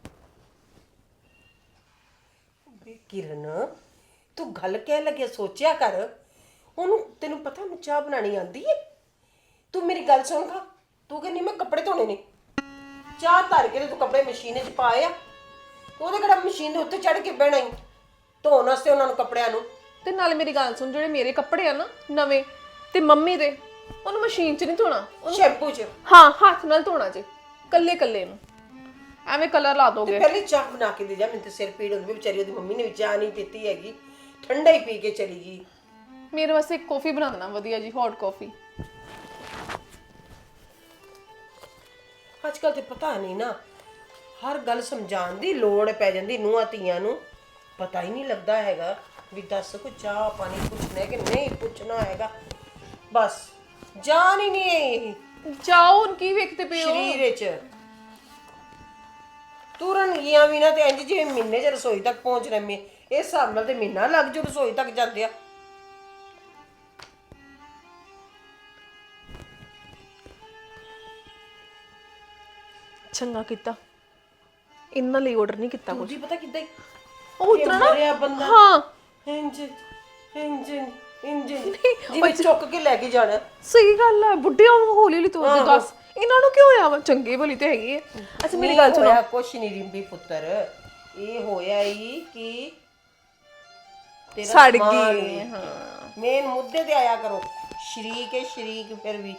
[SPEAKER 1] ਬੇ ਕਿਰਨ, ਤੂੰ ਗੱਲ ਕਹਿ ਲੱਗਿਆ ਸੋਚਿਆ ਕਰ, ਉਹਨੂੰ ਤੈਨੂੰ ਪਤਾ ਉਹਨੂੰ ਚਾਹ ਬਣਾਣੀ ਆਂਦੀ ਏ? ਤੂੰ ਮੇਰੀ ਗੱਲ ਸੁਣ ਖਾ, ਤੂੰ ਕਹਿੰਦੀ ਮੈਂ ਕੱਪੜੇ ਧੋਣੇ ਨੇ, ਚਾਹ ਧਰ ਕੇ ਤੇ ਤੂੰ ਕੱਪੜੇ ਮਸ਼ੀਨ 'ਚ ਪਾਏ ਆ, ਉਹਦੇ ਕਿਹੜਾ ਮਸ਼ੀਨ ਦੇ ਉੱਤੇ ਚੜ ਕੇ ਬਹਿਣਾ ਹੀ ਧੋਣ ਵਾਸਤੇ ਉਹਨਾਂ ਨੂੰ ਕੱਪੜਿਆਂ ਨੂੰ।
[SPEAKER 3] ਤੇ ਨਾਲ ਮੇਰੀ ਗੱਲ ਸੁਣ, ਜਿਹੜੇ ਮੇਰੇ ਕੱਪੜੇ ਆ ਨਾ ਨਵੇਂ ਤੇ ਮੰਮੀ ਦੇ, ਉਹਨੂੰ ਮਸ਼ੀਨ 'ਚ ਨਹੀਂ ਧੋਣਾ,
[SPEAKER 1] ਸ਼ੈਂਪੂ 'ਚ।
[SPEAKER 3] ਹਾਂ ਹੱਥ ਨਾਲ ਧੋਣਾ ਜੇ, ਕੱਲੇ ਕੱਲੇ ਨੂੰ, ਐਵੇਂ ਕਲਰ ਲਾ ਦੋਗੇ।
[SPEAKER 1] ਪਹਿਲੇ ਚਾਹ ਬਣਾ ਕੇ ਦੇ ਜਾ, ਮੈਨੂੰ ਤੇ ਸਿਰ ਪੀੜ ਹੁੰਦੀ, ਵਿਚਾਰੀ ਉਹਦੀ ਮੰਮੀ ਨੇ ਵੀ ਚਾਹ ਨਹੀਂ ਪੀਤੀ ਹੈਗੀ, ਠੰਡਾ ਹੀ ਪੀ ਕੇ ਚਲੀ ਗਈ।
[SPEAKER 3] ਮੇਰੇ ਵਾਸਤੇ ਇੱਕ ਕੌਫੀ ਬਣਾ ਦੇਣਾ ਵਧੀਆ ਜੀ, ਹੌਟ ਕੌਫੀ।
[SPEAKER 1] ਅੱਜ ਕੱਲ ਤੇ ਪਤਾ ਨਹੀਂ ਨਾ, ਹਰ ਗੱਲ ਸਮਝਾਉਣ ਦੀ ਲੋੜ ਪੈ ਜਾਂਦੀ ਨੂੰਹਾਂ ਧੀਆਂ ਨੂੰ, ਪਤਾ ਹੀ ਨਹੀਂ ਲੱਗਦਾ ਹੈਗਾ ਵੀ ਦੱਸ ਕੋਈ ਚਾਹ ਪਾਣੀ ਪੁੱਛਣਾ ਕਿ ਨਹੀਂ ਪੁੱਛਣਾ ਹੈਗਾ, ਬਸ ਜਾਨ ਹੀ ਨਹੀਂ ਹੈ
[SPEAKER 3] ਜਾਓ, ਹੁਣ ਕੀ ਵੇਖਦੇ ਪਏ ਹੋ?
[SPEAKER 1] ਸਰੀਰ ਵਿੱਚ ਤੁਰਨ ਗਈਆਂ ਵੀ ਨਾ ਤੇ ਇੰਜ ਜਿਵੇਂ ਮਹੀਨੇ 'ਚ ਰਸੋਈ ਤੱਕ ਪਹੁੰਚ ਰਹੇ ਮੇ, ਇਸ ਹਿਸਾਬ ਨਾਲ ਤੇ ਮਹੀਨਾ ਲੱਗ ਜੂ ਰਸੋਈ ਤੱਕ ਜਾਂਦੇ ਆ।
[SPEAKER 3] ਚੰਗਾ ਕੀਤਾ, ਇਹਨਾਂ ਲਈ ਆਰਡਰ ਨਹੀਂ ਕੀਤਾ ਕੁਝ।
[SPEAKER 1] ਜੀ ਪਤਾ ਕਿੱਦਾਂ ਹੀ
[SPEAKER 3] ਉਹ ਉਤਰਾ ਨਾ,
[SPEAKER 1] ਬੰਦਾ
[SPEAKER 3] ਹਾਂ
[SPEAKER 1] ਇੰਜ ਇੰਜ ਇੰਜ ਜਿਵੇਂ ਚੁੱਕ ਕੇ ਲੈ ਕੇ ਜਾਣਾ।
[SPEAKER 3] ਸਹੀ ਗੱਲ ਹੈ, ਬੁੱਢਿਆਂ ਨੂੰ ਹੌਲੀ ਹੌਲੀ ਤੋੜ ਦੱਸ, ਇਹਨਾਂ ਨੂੰ ਕਿਉਂ ਹੋਇਆ ਵਾ? ਚੰਗੇ ਭਲੀ ਤੇ ਹੈਗੀ ਹੈ। ਅੱਛਾ ਮੇਰੀ ਗੱਲ ਸੁਣੋ।
[SPEAKER 1] ਹੋਇਆ ਕੁਛ ਨਹੀਂ ਰਿੰਬੀ ਪੁੱਤਰ, ਇਹ ਹੋਇਆ ਹੀ ਕਿ ਤੇਰਾ
[SPEAKER 3] ਸੜ
[SPEAKER 1] ਸਮਾਨ
[SPEAKER 3] ਗਈ,
[SPEAKER 1] ਹੀ।
[SPEAKER 3] ਹਾਂ।
[SPEAKER 1] ਮੇਨ ਮੁੱਦੇ ਤੇ ਆਇਆ ਕਰੋ, ਸ਼ਰੀਕ ਹੈ ਸ਼ਰੀਕ ਫਿਰ ਵੀ।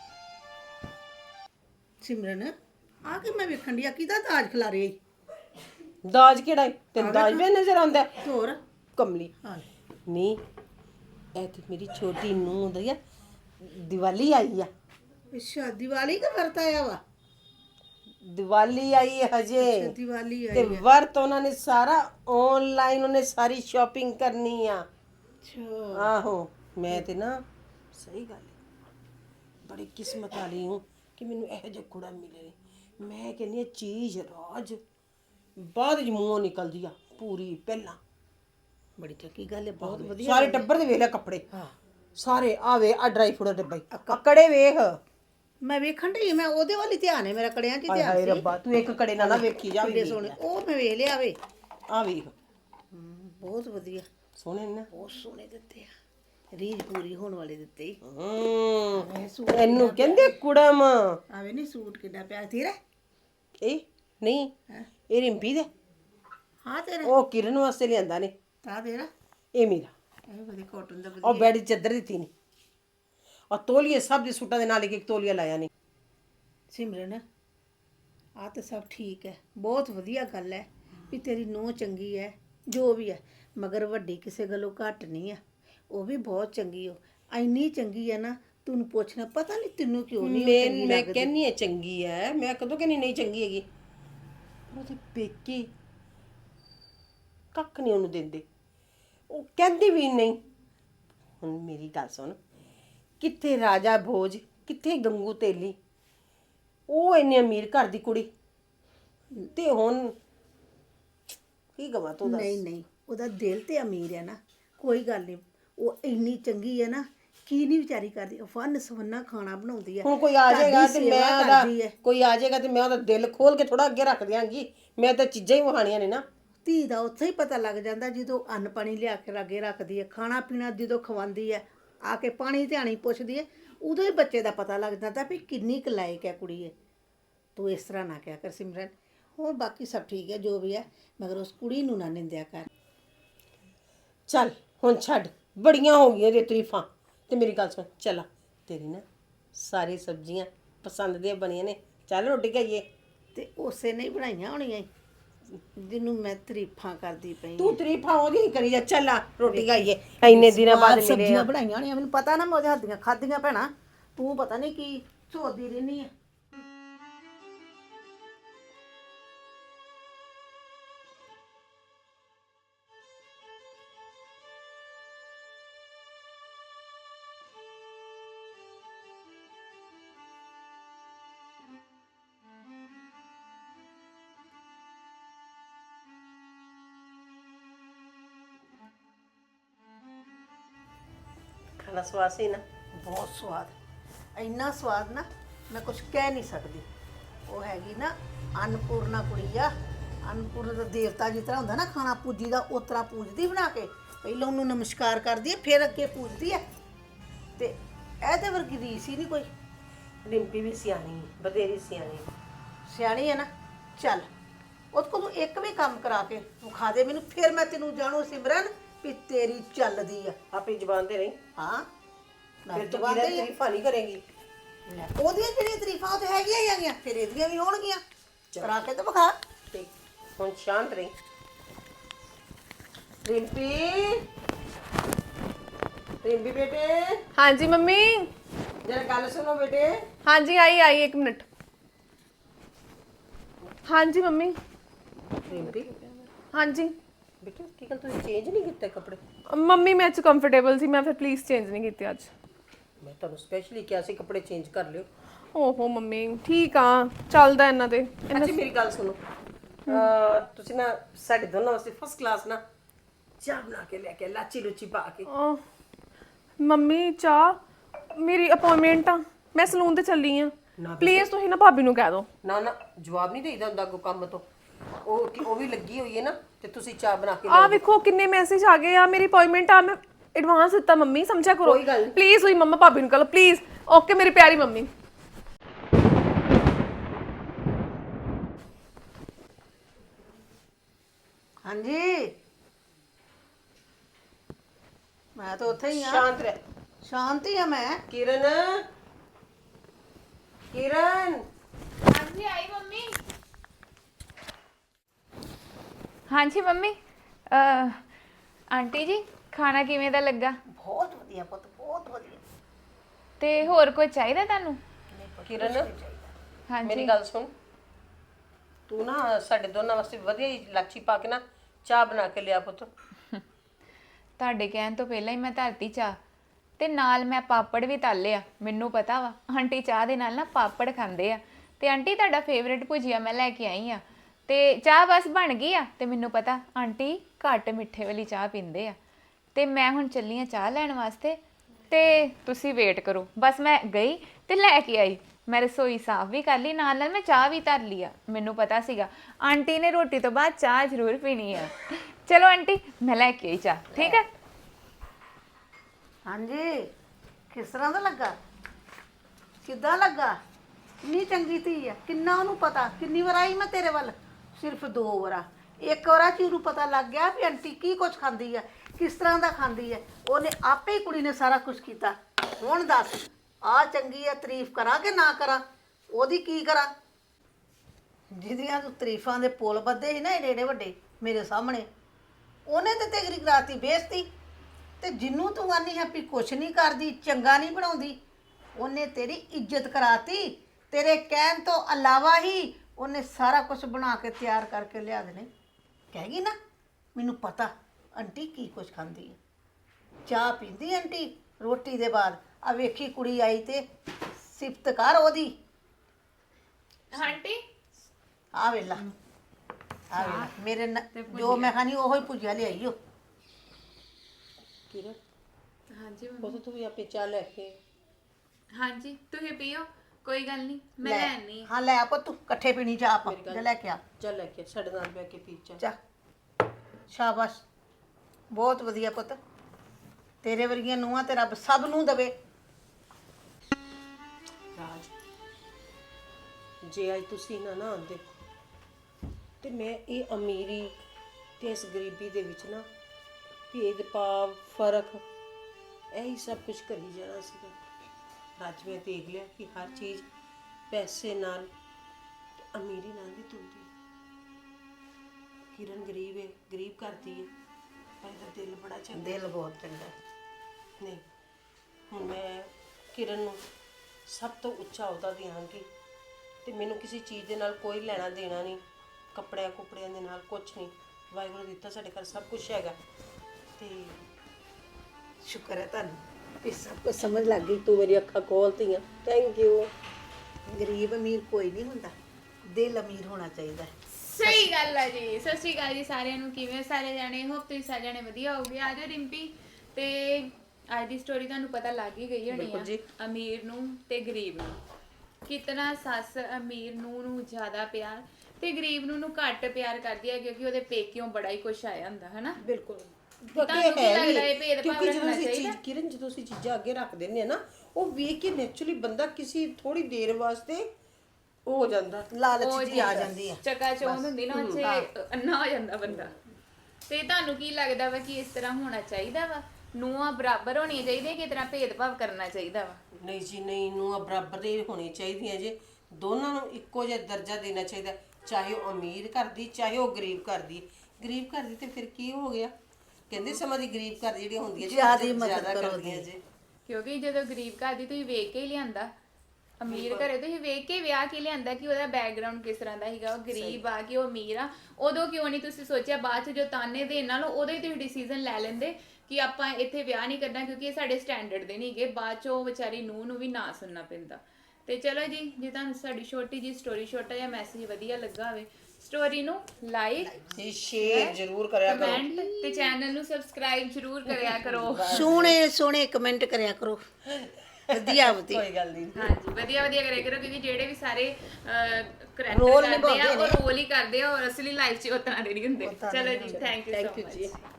[SPEAKER 5] ਸਿਮਰਨ ਆ ਕੇ ਮੈਂ ਵੇਖਣ ਦੀ ਆ ਕਿਹਦਾ ਦਾਜ ਖਿਲਾ ਰਹੀ?
[SPEAKER 1] ਦਾਜ ਕਿਹੜਾ ਹੈ? ਤੈਨੂੰ ਦਾਜ ਵੀ ਨਜ਼ਰ ਆਉਂਦਾ ਹੈ?
[SPEAKER 5] ਹੋਰ
[SPEAKER 1] ਕਮਲੀ
[SPEAKER 5] ਹਾਂ
[SPEAKER 1] ਨਹੀਂ, ਇਹ ਤੇ ਮੇਰੀ ਛੋਟੀ ਨੂੰਹ ਦੀ ਆ, ਦੀਵਾਲੀ ਆਈ ਆ।
[SPEAKER 5] ਅੱਛਾ ਦੀਵਾਲੀ ਦਾ ਵਰਤ ਆਇਆ ਵਾ?
[SPEAKER 1] ਦੀਵਾਲੀ ਆਈ ਹੈ ਹਜੇ,
[SPEAKER 5] ਦੀਵਾਲੀ
[SPEAKER 1] ਤੇ
[SPEAKER 5] ਆਈ
[SPEAKER 1] ਵਰਤ ਉਹਨਾਂ ਨੇ ਸਾਰਾ ਆਨਲਾਈਨ, ਉਹਨੇ ਸਾਰੀ ਸ਼ਾਪਿੰਗ ਕਰਨੀ ਆ।
[SPEAKER 5] ਅੱਛਾ
[SPEAKER 1] ਆਹੋ ਮੈਂ ਤੇ ਨਾ, ਸਹੀ ਗੱਲ ਹੈ, ਬੜੀ ਕਿਸਮਤ ਵਾਲੀ ਹੂੰ ਕਿ ਮੈਨੂੰ ਇਹੋ ਜਿਹਾ ਕੁੜਾ ਮਿਲੇ। ਮੈਂ ਕਹਿੰਦੀ ਆ ਚੀਜ਼ ਰਾਜ ਬਾਅਦ ਵਿੱਚ ਮੂੰਹੋਂ ਨਿਕਲਦੀ ਆ, ਪੂਰੀ ਪਹਿਲਾਂ।
[SPEAKER 5] ਬੜੀ ਚੰਗੀ ਗੱਲ ਹੈ, ਬਹੁਤ ਵਧੀਆ।
[SPEAKER 1] ਸਾਰੇ ਟੱਬਰ ਦੇ ਵੇਖ ਲੈ ਕੱਪੜੇ, ਸਾਰੇ ਆਵੇ ਆ ਡਰਾਈ ਫਰੂਟ ਦਾ ਡੱਬਾ, ਆ ਕੜੇ ਵੇਖ।
[SPEAKER 5] ਮੈਂ ਵੇਖਣ ਦੀ, ਮੈਂ ਉਹਦੇ ਵੱਲ ਹੀ ਧਿਆਨ ਹੈ ਮੇਰਾ, ਕੜਿਆਂ 'ਚ ਹੀ
[SPEAKER 1] ਹਾਏ
[SPEAKER 5] ਧਿਆਨ
[SPEAKER 1] ਹਾਏ
[SPEAKER 5] ਸੀ।
[SPEAKER 1] ਰੱਬਾ, ਤੂੰ ਇੱਕ ਕੜੇ ਨਾਲ ਨਾ ਵੇਖੀ ਜਾ।
[SPEAKER 5] ਕਿੱਡੇ ਸੋਹਣੇ, ਉਹ ਮੈਂ ਵੇਖ ਲਿਆ ਵੇ।
[SPEAKER 1] ਆ ਵੇਖ,
[SPEAKER 5] ਬਹੁਤ ਵਧੀਆ,
[SPEAKER 1] ਸੋਹਣੇ ਨੇ ਨਾ।
[SPEAKER 5] ਬਹੁਤ ਸੋਹਣੇ ਦਿੱਤੇ ਆ, ਰੀਝ ਪੂਰੀ ਹੋਣ ਵਾਲੇ ਦਿੱਤੇ ਈ।
[SPEAKER 1] ਹੂੰ, ਇਹਨੂੰ ਕਹਿੰਦੇ ਕੁੜਮ।
[SPEAKER 5] ਆਵੇ ਨਹੀਂ ਸੂਟ ਕਿੰਨਾ ਪਿਆ ਤੇਰਾ?
[SPEAKER 1] ਇਹ ਨਹੀਂ, ਇਹ ਰਿੰਪੀ ਦੇ,
[SPEAKER 5] ਹਾਂ ਤੇਰਾ?
[SPEAKER 1] ਉਹ ਕਿਰਨ ਵਾਸਤੇ ਲਿਆਂਦਾ ਨੇ।
[SPEAKER 5] ਤਾਂ ਤੇਰਾ?
[SPEAKER 1] ਇਹ ਮੇਰਾ।
[SPEAKER 5] ਇਹ ਵਧੀਆ ਕਾਟਨ ਦਾ
[SPEAKER 1] ਉਹ ਬੈਡ ਦੀ ਚੱਦਰ ਦਿੱਤੀ ਨਹੀਂ ਔਰ ਤੋਲੀਏ ਸਭ ਦੇ ਸੂਟਾਂ ਦੇ ਨਾਲ ਇੱਕ ਇੱਕ ਤੋਲੀਆ ਲਾਇਆ ਨਹੀਂ।
[SPEAKER 5] ਸਿਮਰਨ ਆ ਤਾਂ ਸਭ ਠੀਕ ਹੈ, ਬਹੁਤ ਵਧੀਆ ਗੱਲ ਹੈ ਵੀ ਤੇਰੀ ਨੂੰਹ ਚੰਗੀ ਹੈ ਜੋ ਵੀ ਹੈ, ਮਗਰ ਵੱਡੀ ਕਿਸੇ ਗੱਲੋਂ ਘੱਟ ਨਹੀਂ ਆ। ਉਹ ਵੀ ਬਹੁਤ ਚੰਗੀ ਹੋ, ਇੰਨੀ ਚੰਗੀ ਹੈ ਨਾ ਤੈਨੂੰ ਪੁੱਛਣਾ ਪਤਾ ਨਹੀਂ ਤੈਨੂੰ ਕਿਉਂ ਨਹੀਂ ਉਹ
[SPEAKER 1] ਮੈਂ
[SPEAKER 5] ਚੰਗੀ
[SPEAKER 1] ਮੈਂ
[SPEAKER 5] ਲੱਗਦੀ।
[SPEAKER 1] ਕਹਿੰਨੀ ਹੈ ਚੰਗੀ ਹੈ, ਮੈਂ ਕਦੋਂ ਕਹਿੰਨੀ ਨਹੀਂ ਚੰਗੀ ਹੈਗੀ। ਪਰ ਉਹਦੇ ਪੇਕੇ ਕੱਖ ਨਹੀਂ ਉਹਨੂੰ ਦਿੰਦੇ, ਉਹ ਕਹਿੰਦੀ ਵੀ ਨਹੀਂ। ਹੁਣ ਮੇਰੀ ਗੱਲ ਸੁਣ, ਕਿੱਥੇ ਰਾਜਾ ਭੋਜ, ਕਿੱਥੇ ਗੰਗੂ ਤੇਲੀ, ਉਹ ਇੰਨੀ ਅਮੀਰ ਘਰ ਦੀ ਕੁੜੀ ਤੇ ਹੁਣ ਕੀ ਗਵਾ ਤੂੰ ਦੱਸ।
[SPEAKER 5] ਨਹੀਂ ਨਹੀਂ ਉਹਦਾ ਦਿਲ ਤੇ ਅਮੀਰ ਹੈ ਨਾ, ਕੋਈ ਗੱਲ ਨਹੀਂ। ਉਹ ਇੰਨੀ ਚੰਗੀ ਹੈ ਨਾ, ਕੀ ਨਹੀਂ ਵਿਚਾਰੀ ਕਰਦੀ, ਫਨ ਸਵੰਨਾ ਖਾਣਾ ਬਣਾਉਂਦੀ ਹੈ।
[SPEAKER 1] ਹੁਣ ਕੋਈ ਆ ਜਾਏਗਾ ਤੇ ਮੈਂ ਉਹਦਾ
[SPEAKER 5] ਕਰਦੀ ਹੈ।
[SPEAKER 1] ਕੋਈ ਆ ਜਾਏਗਾ ਤੇ ਮੈਂ ਉਹਦਾ ਦਿਲ ਖੋਲ ਕੇ ਥੋੜਾ ਅੱਗੇ ਰੱਖ ਦਿਆਂਗੀ। ਮੈਂ ਤਾਂ ਚੀਜ਼ਾਂ ਹੀ ਵਹਾਣੀਆਂ ਨੇ ਨਾ।
[SPEAKER 5] ਧੀ ਦਾ ਉੱਥੇ ਹੀ ਪਤਾ ਲੱਗ ਜਾਂਦਾ ਜਦੋਂ ਅੰਨ ਪਾਣੀ ਲਿਆ ਕੇ ਲਾਗੇ ਰੱਖਦੀ ਹੈ, ਖਾਣਾ ਪੀਣਾ ਜਦੋਂ ਖਵਾਉਂਦੀ ਹੈ, ਆ ਕੇ ਪਾਣੀ ਧਿਆਣੀ ਪੁੱਛਦੀ ਹੈ, ਉਦੋਂ ਹੀ ਬੱਚੇ ਦਾ ਪਤਾ ਲੱਗ ਜਾਂਦਾ ਵੀ ਕਿੰਨੀ ਕੁ ਲਾਇਕ ਹੈ ਕੁੜੀ ਹੈ। ਤੂੰ ਇਸ ਤਰ੍ਹਾਂ ਨਾ ਕਿਹਾ ਕਰ ਸਿਮਰਨ। ਹੋਰ ਬਾਕੀ ਸਭ ਠੀਕ ਹੈ ਜੋ ਵੀ ਹੈ, ਮਗਰ ਉਸ ਕੁੜੀ ਨੂੰ ਨਾ ਨਿੰਦਿਆ ਕਰ।
[SPEAKER 1] ਚੱਲ ਹੁਣ ਛੱਡ, ਬੜੀਆਂ ਹੋ ਗਈਆਂ ਜੇ ਤਾਰੀਫਾਂ। ਤੇ ਮੇਰੀ ਗੱਲ ਸੁਣ, ਚਲਾ ਤੇਰੀ ਨਾ ਸਾਰੀ ਸਬਜ਼ੀਆਂ ਪਸੰਦ ਦੀਆਂ ਬਣੀਆਂ ਨੇ, ਚੱਲ ਰੋਟੀ ਖਾਈਏ।
[SPEAKER 5] ਤੇ ਉਸੇ ਨੇ ਹੀ ਬਣਾਈਆਂ ਹੋਣੀਆਂ ਈ, ਜਿਹਨੂੰ ਮੈਂ ਤਾਰੀਫਾਂ ਕਰਦੀ ਪਈ
[SPEAKER 1] ਤੂੰ ਤਾਰੀਫਾਂ ਉਹਦੀ ਹੀ ਕਰੀ ਜਾ, ਚੱਲ ਰੋਟੀ ਖਾਈਏ। ਇੰਨੇ ਦਿਨਾਂ ਬਾਅਦ ਮਿਲੇ
[SPEAKER 5] ਸਬਜ਼ੀਆਂ
[SPEAKER 1] ਆ।
[SPEAKER 5] ਬਣਾਈਆਂ ਹੋਣੀਆਂ, ਮੈਨੂੰ ਪਤਾ ਨਾ ਮੈਂ ਉਹਦੇ ਹੱਥ ਦੀਆਂ ਖਾਧੀਆਂ ਭੈਣਾ। ਤੂੰ ਪਤਾ ਨਹੀਂ ਕੀ ਸੋਚਦੀ ਰਹਿੰਦੀ ਹੈ।
[SPEAKER 1] ਖਾਣਾ ਸਵਾਦ ਸੀ ਨਾ?
[SPEAKER 5] ਬਹੁਤ ਸਵਾਦ, ਇੰਨਾ ਸਵਾਦ ਨਾ ਮੈਂ ਕੁਝ ਕਹਿ ਨਹੀਂ ਸਕਦੀ। ਉਹ ਹੈਗੀ ਨਾ ਅੰਨਪੂਰਨਾ ਕੁੜੀ ਆ। ਅੰਨਪੂਰਨਾ ਦਾ ਦੇਵਤਾ ਜਿਸ ਤਰ੍ਹਾਂ ਹੁੰਦਾ ਨਾ ਖਾਣਾ ਪੂਜੀ ਦਾ, ਉਸ ਤਰ੍ਹਾਂ ਪੂਜਦੀ ਬਣਾ ਕੇ। ਪਹਿਲਾਂ ਉਹਨੂੰ ਨਮਸਕਾਰ ਕਰਦੀ ਹੈ, ਫਿਰ ਅੱਗੇ ਪੂਜਦੀ ਹੈ। ਤੇ ਇਹਦੇ ਵਰਗੀ ਰੀਸ ਹੀ ਨਹੀਂ ਕੋਈ।
[SPEAKER 1] ਰਿੰਪੀ ਵੀ ਸਿਆਣੀ, ਬਥੇਰੀ ਸਿਆਣੀ।
[SPEAKER 5] ਸਿਆਣੀ ਹੈ ਨਾ। ਚੱਲ ਉਹਦੇ ਕੋਲ ਤੂੰ ਇੱਕ ਵੀ ਕੰਮ ਕਰਾ ਕੇ ਵਿਖਾ ਦੇ ਮੈਨੂੰ, ਫਿਰ ਮੈਂ ਤੈਨੂੰ ਜਾਣੂ ਸਿਮਰਨ ਵੀ ਤੇਰੀ ਚੱਲਦੀ ਆ।
[SPEAKER 1] ਆਪਣੀ ਜ਼ੁਬਾਨ ਤੇ ਨਹੀਂ,
[SPEAKER 5] ਹਾਂ ਮੈਂ
[SPEAKER 1] ਫਿਰ ਤੂੰ
[SPEAKER 5] ਜਵਾਬ
[SPEAKER 1] ਕਿਹਦਾ
[SPEAKER 5] ਦੇ ਹੀ
[SPEAKER 1] ਤਾਰੀਫਾਂ ਨਹੀਂ ਕਰੇਗੀ।
[SPEAKER 5] ਲੈ, ਉਹਦੀਆਂ ਜਿਹੜੀਆਂ ਤਾਰੀਫਾਂ ਉਹ ਤੇ ਹੈਗੀਆਂ ਹੀ ਹੈਗੀਆਂ, ਫਿਰ ਇਹਦੀਆਂ ਵੀ ਹੋਣਗੀਆਂ। ਕਰਾ ਕੇ ਤਾਂ ਵਿਖਾ।
[SPEAKER 1] ਠੀਕ, ਹੁਣ ਸ਼ਾਂਤ ਰਹੀ। ਰਿੰਪੀ, ਰਿੰਪੀ ਬੇਟੇ,
[SPEAKER 3] ਹਾਂਜੀ ਮੰਮੀ।
[SPEAKER 1] ਜਰਾ ਗੱਲ ਸੁਣੋ ਬੇਟੇ।
[SPEAKER 3] ਹਾਂਜੀ ਆਈ ਆਈ ਇੱਕ ਮਿੰਟ। ਹਾਂਜੀ ਮੰਮੀ।
[SPEAKER 1] ਰਿੰਪੀ
[SPEAKER 3] ਹਾਂਜੀ
[SPEAKER 1] ਬੇਟੇ, ਕੀ ਗੱਲ ਤੁਸੀਂ ਚੇਂਜ ਨਹੀਂ ਕੀਤੇ ਕੱਪੜੇ?
[SPEAKER 3] ਮੰਮੀ ਮੈਂ ਅੱਜ ਕੰਫਰਟੇਬਲ ਸੀ, ਮੈਂ ਫਿਰ ਪਲੀਜ਼ ਚੇਂਜ ਨਹੀਂ ਕੀਤੇ ਅੱਜ।
[SPEAKER 1] ਮੈਂ ਤੁਹਾਨੂੰ ਸਪੈਸ਼ਲੀ ਕਿਹਾ ਸੀ ਕੱਪੜੇ ਚੇਂਜ ਕਰ ਲਿਓ।
[SPEAKER 3] ਓਹੋ ਮੰਮੀ ਠੀਕ ਆ, ਚੱਲਦਾ ਇਹਨਾਂ ਦੇ।
[SPEAKER 1] ਅੱਛਾ ਮੇਰੀ ਗੱਲ ਸੁਣੋ, ਅਹ, ਤੁਸੀਂ ਨਾ ਸਾਡੇ ਦੋਨਾਂ ਵਾਸਤੇ ਫਸਟ ਕਲਾਸ ਨਾ ਚਾਹ ਬਣਾ ਕੇ ਲੈ ਕੇ, ਲਾਚੀ ਲੁਚੀ ਪਾ ਕੇ।
[SPEAKER 3] ਅਹ, ਮੰਮੀ ਚਾਹ ਮੇਰੀ ਅਪਾਇੰਟਮੈਂਟ ਆ, ਮੈਂ ਸਲੂਨ ਤੇ ਚੱਲੀ ਆ। ਪਲੀਜ਼ ਤੁਸੀਂ ਨਾ ਭਾਬੀ ਨੂੰ ਕਹਿ ਦਿਓ।
[SPEAKER 1] ਨਾ ਨਾ ਜਵਾਬ ਨਹੀਂ ਦੇਈਦਾ ਹੁੰਦਾ ਅੱਗੋਂ ਕੰਮ ਤੋਂ। ਉਹ ਕਿ ਉਹ ਵੀ ਲੱਗੀ ਹੋਈ ਹੈ ਨਾ, ਤੇ ਤੁਸੀਂ ਚਾਹ ਬਣਾ ਕੇ
[SPEAKER 3] ਆ ਵੇਖੋ ਕਿੰਨੇ ਮੈਸੇਜ ਆ ਗਏ ਆ, ਮੇਰੀ ਅਪਾਇੰਟਮੈਂਟ ਆ, ਮੈਂ ਐਡਵਾਂਸ ਦਿੱਤਾ ਮੰਮੀ, ਸਮਝਿਆ ਕਰੋ।
[SPEAKER 1] ਕੋਈ ਗੱਲ ਨੀ।
[SPEAKER 3] ਪਲੀਜ਼ ਹੋਈ ਮੰਮਾ ਭਾਬੀ ਨੂੰ ਕਹੋ ਪਲੀਜ਼। ਓਕੇ ਮੇਰੀ ਪਿਆਰੀ ਮੰਮੀ।
[SPEAKER 5] ਹਾਂਜੀ ਮੈਂ ਤਾਂ ਉੱਥੇ ਹੀ ਆ।
[SPEAKER 1] ਸ਼ਾਂਤ ਰਹਿ।
[SPEAKER 5] ਸ਼ਾਂਤੀ ਆ ਮੈਂ।
[SPEAKER 1] ਕਿਰਨ, ਕਿਰਨ,
[SPEAKER 4] ਹਾਂਜੀ ਆਈ ਮੰਮੀ। ਹਾਂਜੀ ਮੰਮੀ। ਅ ਆਂਟੀ ਜੀ ਖਾਣਾ ਕਿਵੇਂ ਦਾ ਲੱਗਾ?
[SPEAKER 5] ਬਹੁਤ ਵਧੀਆ ਪੁੱਤ, ਬਹੁਤ ਵਧੀਆ।
[SPEAKER 4] ਤੇ ਹੋਰ ਕੋਈ ਚਾਹੀਦਾ ਤੁਹਾਨੂੰ?
[SPEAKER 1] ਕਿਰਨ
[SPEAKER 4] ਹਾਂਜੀ
[SPEAKER 1] ਮੇਰੀ ਗੱਲ ਸੁਣ, ਤੂੰ ਨਾ ਸਾਡੇ ਦੋਨਾਂ ਵਾਸਤੇ ਵਧੀਆ ਹੀ ਲਾਚੀ ਪਾ ਕੇ ਨਾ ਚਾਹ ਬਣਾ ਕੇ ਲਿਆ ਪੁੱਤ।
[SPEAKER 4] ਤੁਹਾਡੇ ਕਹਿਣ ਤੋਂ ਪਹਿਲਾਂ ਹੀ ਮੈਂ ਧਰਤੀ ਚਾਹ, ਤੇ ਨਾਲ ਮੈਂ ਪਾਪੜ ਵੀ ਤਾਲੇ ਆ। ਮੈਨੂੰ ਪਤਾ ਵਾ ਆਂਟੀ ਚਾਹ ਦੇ ਨਾਲ ਨਾ ਪਾਪੜ ਖਾਂਦੇ ਆ। ਤੇ ਆਂਟੀ ਤੁਹਾਡਾ ਫੇਵਰੇਟ ਭੁਜੀਆ ਮੈਂ ਲੈ ਕੇ ਆਈ ਆ। ਤੇ ਚਾਹ ਬਸ ਬਣ ਗਈ ਆ, ਤੇ ਮੈਨੂੰ ਪਤਾ ਆਂਟੀ ਘੱਟ ਮਿੱਠੇ ਵਾਲੀ ਚਾਹ ਪੀਂਦੇ ਆ। ਤੇ ਮੈਂ ਹੁਣ ਚੱਲੀ ਆ ਚਾਹ ਲੈਣ ਵਾਸਤੇ, ਤੇ ਤੁਸੀਂ ਵੇਟ ਕਰੋ। ਬਸ ਮੈਂ ਗਈ ਤੇ ਲੈ ਕੇ ਆਈ। ਮੈਂ ਰਸੋਈ ਸਾਫ਼ ਵੀ ਕਰ ਲਈ, ਨਾਲ ਨਾਲ ਮੈਂ ਚਾਹ ਵੀ ਧਰ ਲਈ ਆ। ਮੈਨੂੰ ਪਤਾ ਸੀਗਾ ਆਂਟੀ ਨੇ ਰੋਟੀ ਤੋਂ ਬਾਅਦ ਚਾਹ ਜ਼ਰੂਰ ਪੀਣੀ ਆ। ਚਲੋ ਆਂਟੀ ਮੈਂ ਲੈ ਕੇ ਆਈ ਚਾਹ, ਠੀਕ ਹੈ?
[SPEAKER 5] ਹਾਂਜੀ ਕਿਸ ਤਰ੍ਹਾਂ ਦਾ ਲੱਗਾ? ਕਿੱਦਾਂ ਲੱਗਾ? ਕਿੰਨੀ ਚੰਗੀ ਧੀ ਆ, ਕਿੰਨਾ ਉਹਨੂੰ ਪਤਾ। ਕਿੰਨੀ ਵਾਰ ਆਈ ਮੈਂ ਤੇਰੇ ਵੱਲ? ਸਿਰਫ ਦੋ ਵਾਰਾ। ਇੱਕ ਵਾਰਾ ਚ ਉਹਨੂੰ ਪਤਾ ਲੱਗ ਗਿਆ ਵੀ ਆਂਟੀ ਕੀ ਕੁਝ ਖਾਂਦੀ ਆ। ਕਿਸ ਤਰ੍ਹਾਂ ਦਾ ਖਾਂਦੀ ਹੈ? ਉਹਨੇ ਆਪੇ ਹੀ ਕੁੜੀ ਨੇ ਸਾਰਾ ਕੁਝ ਕੀਤਾ। ਹੁਣ ਦੱਸ ਆ ਚੰਗੀ ਹੈ, ਤਾਰੀਫ ਕਰਾਂ ਕਿ ਨਾ ਕਰਾਂ? ਉਹਦੀ ਕੀ ਕਰਾਂ? ਜਿਹਦੀਆਂ ਤੂੰ ਤਾਰੀਫਾਂ ਦੇ ਪੁੱਲ ਬੱਧੇ ਸੀ ਨਾ ਏਡੇ ਏਡੇ ਵੱਡੇ ਮੇਰੇ ਸਾਹਮਣੇ, ਉਹਨੇ ਤੇ ਤੇਰੀ ਕਰਾਤੀ ਬੇਇੱਜ਼ਤੀ। ਤੇ ਜਿੰਨੂੰ ਤੂੰ ਆਨੀ ਹੈ ਵੀ ਕੁਛ ਨਹੀਂ ਕਰਦੀ, ਚੰਗਾ ਨਹੀਂ ਬਣਾਉਂਦੀ, ਉਹਨੇ ਤੇਰੀ ਇੱਜ਼ਤ ਕਰਾਤੀ। ਤੇਰੇ ਕਹਿਣ ਤੋਂ ਇਲਾਵਾ ਹੀ ਉਹਨੇ ਸਾਰਾ ਕੁਝ ਬਣਾ ਕੇ ਤਿਆਰ ਕਰਕੇ ਲਿਆ ਦੇਣੇ। ਕਹੇਗੀ ਨਾ ਮੈਨੂੰ ਪਤਾ ਆਂਟੀ ਕੀ ਕੁਛ ਖਾਂਦੀ ਹੈ। ਚਾਹ ਪੀਂਦੀ ਆਂਟੀ ਰੋਟੀ ਦੇ ਬਾਅਦ। ਆ ਵੇਖੀ ਕੁੜੀ ਆਈ ਤੇ ਸਿਫਤ ਕਰ ਉਹਦੀ।
[SPEAKER 4] ਆਂਟੀ
[SPEAKER 5] ਆ ਵੇਲਾ ਆ ਵੇਲਾ ਮੇਰੇ ਨ- ਜੋ ਮੈਂ ਖਾਣੀ ਉਹੋ ਹੀ ਭੁਜਿਆ ਲਿਆਈ ਓ।
[SPEAKER 1] ਕਿਰਨ
[SPEAKER 4] ਹਾਂਜੀ
[SPEAKER 1] ਉਹ ਤਾਂ ਤੂੰ ਵੀ ਆਪੇ ਚਾਹ ਲੈ ਕੇ
[SPEAKER 4] ਹਾਂਜੀ ਤੁਸੀਂ ਪੀਓ, ਕੋਈ ਗੱਲ ਨਹੀਂ, ਮੈਂ
[SPEAKER 5] ਲੈ,
[SPEAKER 4] ਲੈਣੀ
[SPEAKER 5] ਹਾਂ ਲੈ ਆ ਪੁੱਤ, ਤੂੰ ਇਕੱਠੇ ਪੀਣੀ ਚਾਹ ਆਪਾਂ। ਜਾ ਲੈ ਕੇ ਆ
[SPEAKER 1] ਚੱਲ ਲੈ ਕੇ ਸਾਡੇ ਨਾਲ ਬਹਿ ਕੇ ਪੀ ਚਾਹ।
[SPEAKER 5] ਜਾ। ਸ਼ਾਬਾਸ਼, ਬਹੁਤ ਵਧੀਆ ਪੁੱਤ। ਤੇਰੇ ਵਰਗੀਆਂ ਨੂੰਹਾਂ ਤੇ ਰੱਬ ਸਭ ਨੂੰ ਦਵੇ।
[SPEAKER 1] ਰਾਜ, ਜੇ ਅੱਜ ਤੁਸੀਂ ਨਾ ਨਾ ਆਉਂਦੇ ਤੇ ਮੈਂ ਇਹ ਅਮੀਰੀ ਤੇ ਇਸ ਗਰੀਬੀ ਦੇ ਵਿੱਚ ਨਾ ਭੇਦਭਾਵ ਫਰਕ ਇਹੀ ਸਭ ਕੁਝ ਕਰੀ ਜਾਣਾ ਸੀਗਾ। ਅੱਜ ਮੈਂ ਦੇਖ ਲਿਆ ਕਿ ਹਰ ਚੀਜ਼ ਪੈਸੇ ਨਾਲ ਤੇ ਅਮੀਰੀ ਨਾਲ ਨਹੀਂ ਤੁਲਦੀ। ਕਿਰਨ ਗਰੀਬ ਹੈ, ਗਰੀਬ ਕਰਦੀ ਹੈ, ਪਰ ਇਹਦਾ ਦਿਲ ਬੜਾ ਚੰਗਾ।
[SPEAKER 5] ਦਿਲ ਬਹੁਤ ਚੰਗਾ ਹੈ।
[SPEAKER 1] ਨਹੀਂ, ਹੁਣ ਮੈਂ ਕਿਰਨ ਨੂੰ ਸਭ ਤੋਂ ਉੱਚਾ ਅਹੁਦਾ ਦਿਆਂਗੀ ਤੇ ਮੈਨੂੰ ਕਿਸੇ ਚੀਜ਼ ਦੇ ਨਾਲ ਕੋਈ ਲੈਣਾ ਦੇਣਾ ਨਹੀਂ, ਕੱਪੜਿਆਂ ਕੁਪੜਿਆਂ ਦੇ ਨਾਲ ਕੁਝ ਨਹੀਂ। ਵਾਹਿਗੁਰੂ ਦਿੱਤਾ ਸਾਡੇ ਘਰ ਸਭ ਕੁਝ ਹੈਗਾ ਤੇ
[SPEAKER 5] ਸ਼ੁਕਰ ਹੈ ਤੁਹਾਨੂੰ ਇਹ ਸਭ ਕੁਝ ਸਮਝ ਲੱਗ ਗਈ।
[SPEAKER 1] ਤੂੰ ਮੇਰੀ ਅੱਖਾਂ ਖੋਲਤੀਆਂ, ਥੈਂਕ ਯੂ।
[SPEAKER 5] ਗਰੀਬ ਅਮੀਰ ਕੋਈ ਨਹੀਂ ਹੁੰਦਾ, ਦਿਲ ਅਮੀਰ ਹੋਣਾ ਚਾਹੀਦਾ ਹੈ।
[SPEAKER 4] ਸਹੀ ਗੱਲ ਹੈ ਜੀ। ਸਤਿ ਸ਼੍ਰੀ ਅਕਾਲ ਜੀ ਸਾਰਿਆਂ ਨੂੰ। ਕਿਵੇਂ ਸਾਰੇ ਜਾਣੇ? ਹੋਪ ਤੁਸੀਂ ਸਾਰੇ ਜਾਣੇ ਵਧੀਆ ਹੋਗੇ। ਆ ਜਾਓ ਰਿੰਪੀ। ਤੇ ਅੱਜ ਦੀ ਸਟੋਰੀ ਤੁਹਾਨੂੰ ਪਤਾ ਲੱਗ ਹੀ ਗਈ ਹੋਣੀ
[SPEAKER 1] ਬਿਲਕੁਲ ਜੀ।
[SPEAKER 4] ਆ, ਅਮੀਰ ਨੂੰ ਤੇ ਗਰੀਬ ਨੂੰ। ਕਿਤਨਾ ਸੱਸ ਅਮੀਰ ਨੂੰ ਨੂੰ ਜ਼ਿਆਦਾ ਪਿਆਰ ਤੇ ਗਰੀਬ ਨੂੰ ਨੂੰ ਘੱਟ ਪਿਆਰ ਕਰਦੀ ਹੈ, ਕਿਉਂਕਿ ਉਹਦੇ ਪੇਕਿਓਂ ਬੜਾ ਹੀ ਕੁਛ ਆਇਆ ਹੁੰਦਾ ਹੈ ਨਾ।
[SPEAKER 1] ਬਿਲਕੁਲ
[SPEAKER 4] ਤੁਹਾਨੂੰ ਕੀ ਲੱਗਦਾ ਇਹ ਭੇਦਭਾਵ
[SPEAKER 1] ਕਿਉਂਕਿ ਜਦੋਂ
[SPEAKER 4] ਰੱਖਣਾ
[SPEAKER 1] ਅਸੀਂ
[SPEAKER 4] ਚਾਹੀਦਾ?
[SPEAKER 1] ਚੀਜ਼ ਕਿਰਨ ਜਦੋਂ ਅਸੀਂ ਚੀਜ਼ਾਂ ਅੱਗੇ ਰੱਖ ਦਿੰਦੇ ਆ ਨਾ, ਉਹ ਵੇਖ ਕੇ ਨੈਚੁਰਲੀ ਬੰਦਾ ਕਿਸੇ ਥੋੜੀ ਦੇਰ ਵਾਸਤੇ ਉਹ ਹੋ ਜਾਂਦਾ।
[SPEAKER 5] ਲਾਲਚ ਜੀ ਆ ਜਾਂਦੀ ਹੈ।
[SPEAKER 4] ਚਕਾ ਚੌਂਦ ਹੁੰਦੀ ਨਾ, ਉੱਥੇ ਅੰਨਾ ਹੋ ਜਾਂਦਾ ਬੰਦਾ। ਤੇ ਤੁਹਾਨੂੰ ਕੀ ਲੱਗਦਾ ਵਾ ਕਿ ਇਸ ਤਰ੍ਹਾਂ ਹੋਣਾ ਚਾਹੀਦਾ ਵਾ? ਨੂੰਹਾਂ ਬਰਾਬਰ ਹੋਣੀਆਂ ਚਾਹੀਦੀਆਂ ਕਿ ਇਸ ਤਰ੍ਹਾਂ ਭੇਦਭਾਵ ਕਰਨਾ ਚਾਹੀਦਾ ਵਾ?
[SPEAKER 1] ਨਹੀਂ ਜੀ ਨਹੀਂ, ਨੂੰ ਬਰਾਬਰ ਦੇ ਹੋਣੀ ਚਾਹੀਦੀਆਂ ਜੇ। ਦੋਨਾਂ ਨੂੰ ਇੱਕੋ ਜਿਹਾ ਦਰਜਾ ਦੇਣਾ ਚਾਹੀਦਾ, ਚਾਹੇ ਉਹ ਅਮੀਰ ਘਰ ਦੀ ਚਾਹੇ ਉਹ ਗਰੀਬ ਘਰ ਦੀ। ਗਰੀਬ ਘਰ ਦੀ ਤੇ ਫਿਰ ਕੀ ਹੋ ਗਿਆ? ਕਹਿੰਦੇ ਸਮਾਂ ਦੀ ਗਰੀਬ ਘਰ ਜਿਹੜੀਆਂ ਹੁੰਦੀਆਂ ਜੀ,
[SPEAKER 5] ਜ਼ਿਆਦਾ ਹੀ ਮਦਦ
[SPEAKER 1] ਜ਼ਿਆਦਾ
[SPEAKER 5] ਕਰੋ
[SPEAKER 1] ਕਰਦੀਆਂ
[SPEAKER 5] ਜੀ।
[SPEAKER 1] ਜੇ।
[SPEAKER 4] ਕਿਉਂਕਿ ਜਦੋਂ ਗਰੀਬ ਘਰ ਦੀ ਤੁਸੀਂ ਵੇਖ ਕੇ ਹੀ ਲਿਆਂਦਾ, ਅਮੀਰ ਘਰੇ ਤੁਸੀਂ ਵੇਖ ਕੇ ਵਿਆਹ ਕੇ ਲਿਆਂਦਾ ਕਿ ਉਹਦਾ ਬੈਕਗ੍ਰਾਉਂਡ ਕਿਸ ਤਰ੍ਹਾਂ ਦਾ ਹੈਗਾ, ਉਹ ਗਰੀਬ ਆ ਕਿ ਉਹ ਅਮੀਰ ਆ। ਉਦੋਂ ਕਿਉਂ ਨਹੀਂ ਤੁਸੀਂ ਸੋਚਿਆ? ਬਾਅਦ ਚ ਜੋ ਤਾਨੇ ਦੇਣ ਨਾਲ ਉਦੋਂ ਹੀ ਤੁਸੀਂ ਡਿਸੀਜਨ ਲੈ ਲੈਂਦੇ ਕਿ ਆਪਾਂ ਇੱਥੇ ਵਿਆਹ ਨਹੀਂ ਕਰਨਾ ਕਿਉਂਕਿ ਇਹ ਸਾਡੇ ਸਟੈਂਡਰਡ ਦੇ ਨਹੀਂ ਹੈਗੇ। ਬਾਅਦ ਚ ਉਹ ਵਿਚਾਰੀ ਨੂੰਹ ਨੂੰ ਵੀ ਨਾ ਸੁਣਨਾ ਪੈਂਦਾ। ਤੇ ਚਲੋ ਜੀ, ਜੇ ਤੁਹਾਨੂੰ ਸਾਡੀ ਛੋਟੀ ਜੀ ਸਟੋਰੀ, ਛੋਟਾ ਜਿਹਾ ਮੈਸੇਜ ਵਧੀਆ ਲੱਗਾ ਹੋਵੇ, ਸਟੋਰੀ ਨੂੰ ਲਾਈਕ
[SPEAKER 1] ਤੇ ਸ਼ੇਅਰ ਜ਼ਰੂਰ ਕਰਿਆ ਕਰੋ।
[SPEAKER 4] ਕਮੈਂਟ ਤੇ ਚੈਨਲ ਨੂੰ ਸਬਸਕ੍ਰਾਈਬ ਜ਼ਰੂਰ ਕਰਿਆ ਕਰੋ।
[SPEAKER 5] ਸੋਹਣੇ ਸੋਹਣੇ ਕਮੈਂਟ ਕਰਿਆ ਕਰੋ। ਵਧੀਆ ਵਧੀਆ
[SPEAKER 1] ਕੋਈ ਗੱਲ ਨਹੀਂ।
[SPEAKER 4] ਹਾਂਜੀ, ਵਧੀਆ ਵਧੀਆ ਕਰਿਆ ਕਰੋ, ਕਿਉਂਕਿ ਜਿਹੜੇ ਵੀ ਸਾਰੇ ਕਰੈਕਟਰ
[SPEAKER 5] Role
[SPEAKER 4] ਕਰਦੇ ਆ
[SPEAKER 5] ਨਿਭਾਉਂਦੇ
[SPEAKER 4] ਉਹ ਰੋਲ ਹੀ ਕਰਦੇ ਆ, ਔਰ ਅਸਲੀ ਲਾਈਫ 'ਚ ਉਹ ਤਰ੍ਹਾਂ ਦੇ ਨਹੀਂ ਹੁੰਦੇ। ਚਲੋ ਜੀ, thank you
[SPEAKER 1] thank
[SPEAKER 4] so
[SPEAKER 1] you
[SPEAKER 4] much.
[SPEAKER 1] ਜੀ।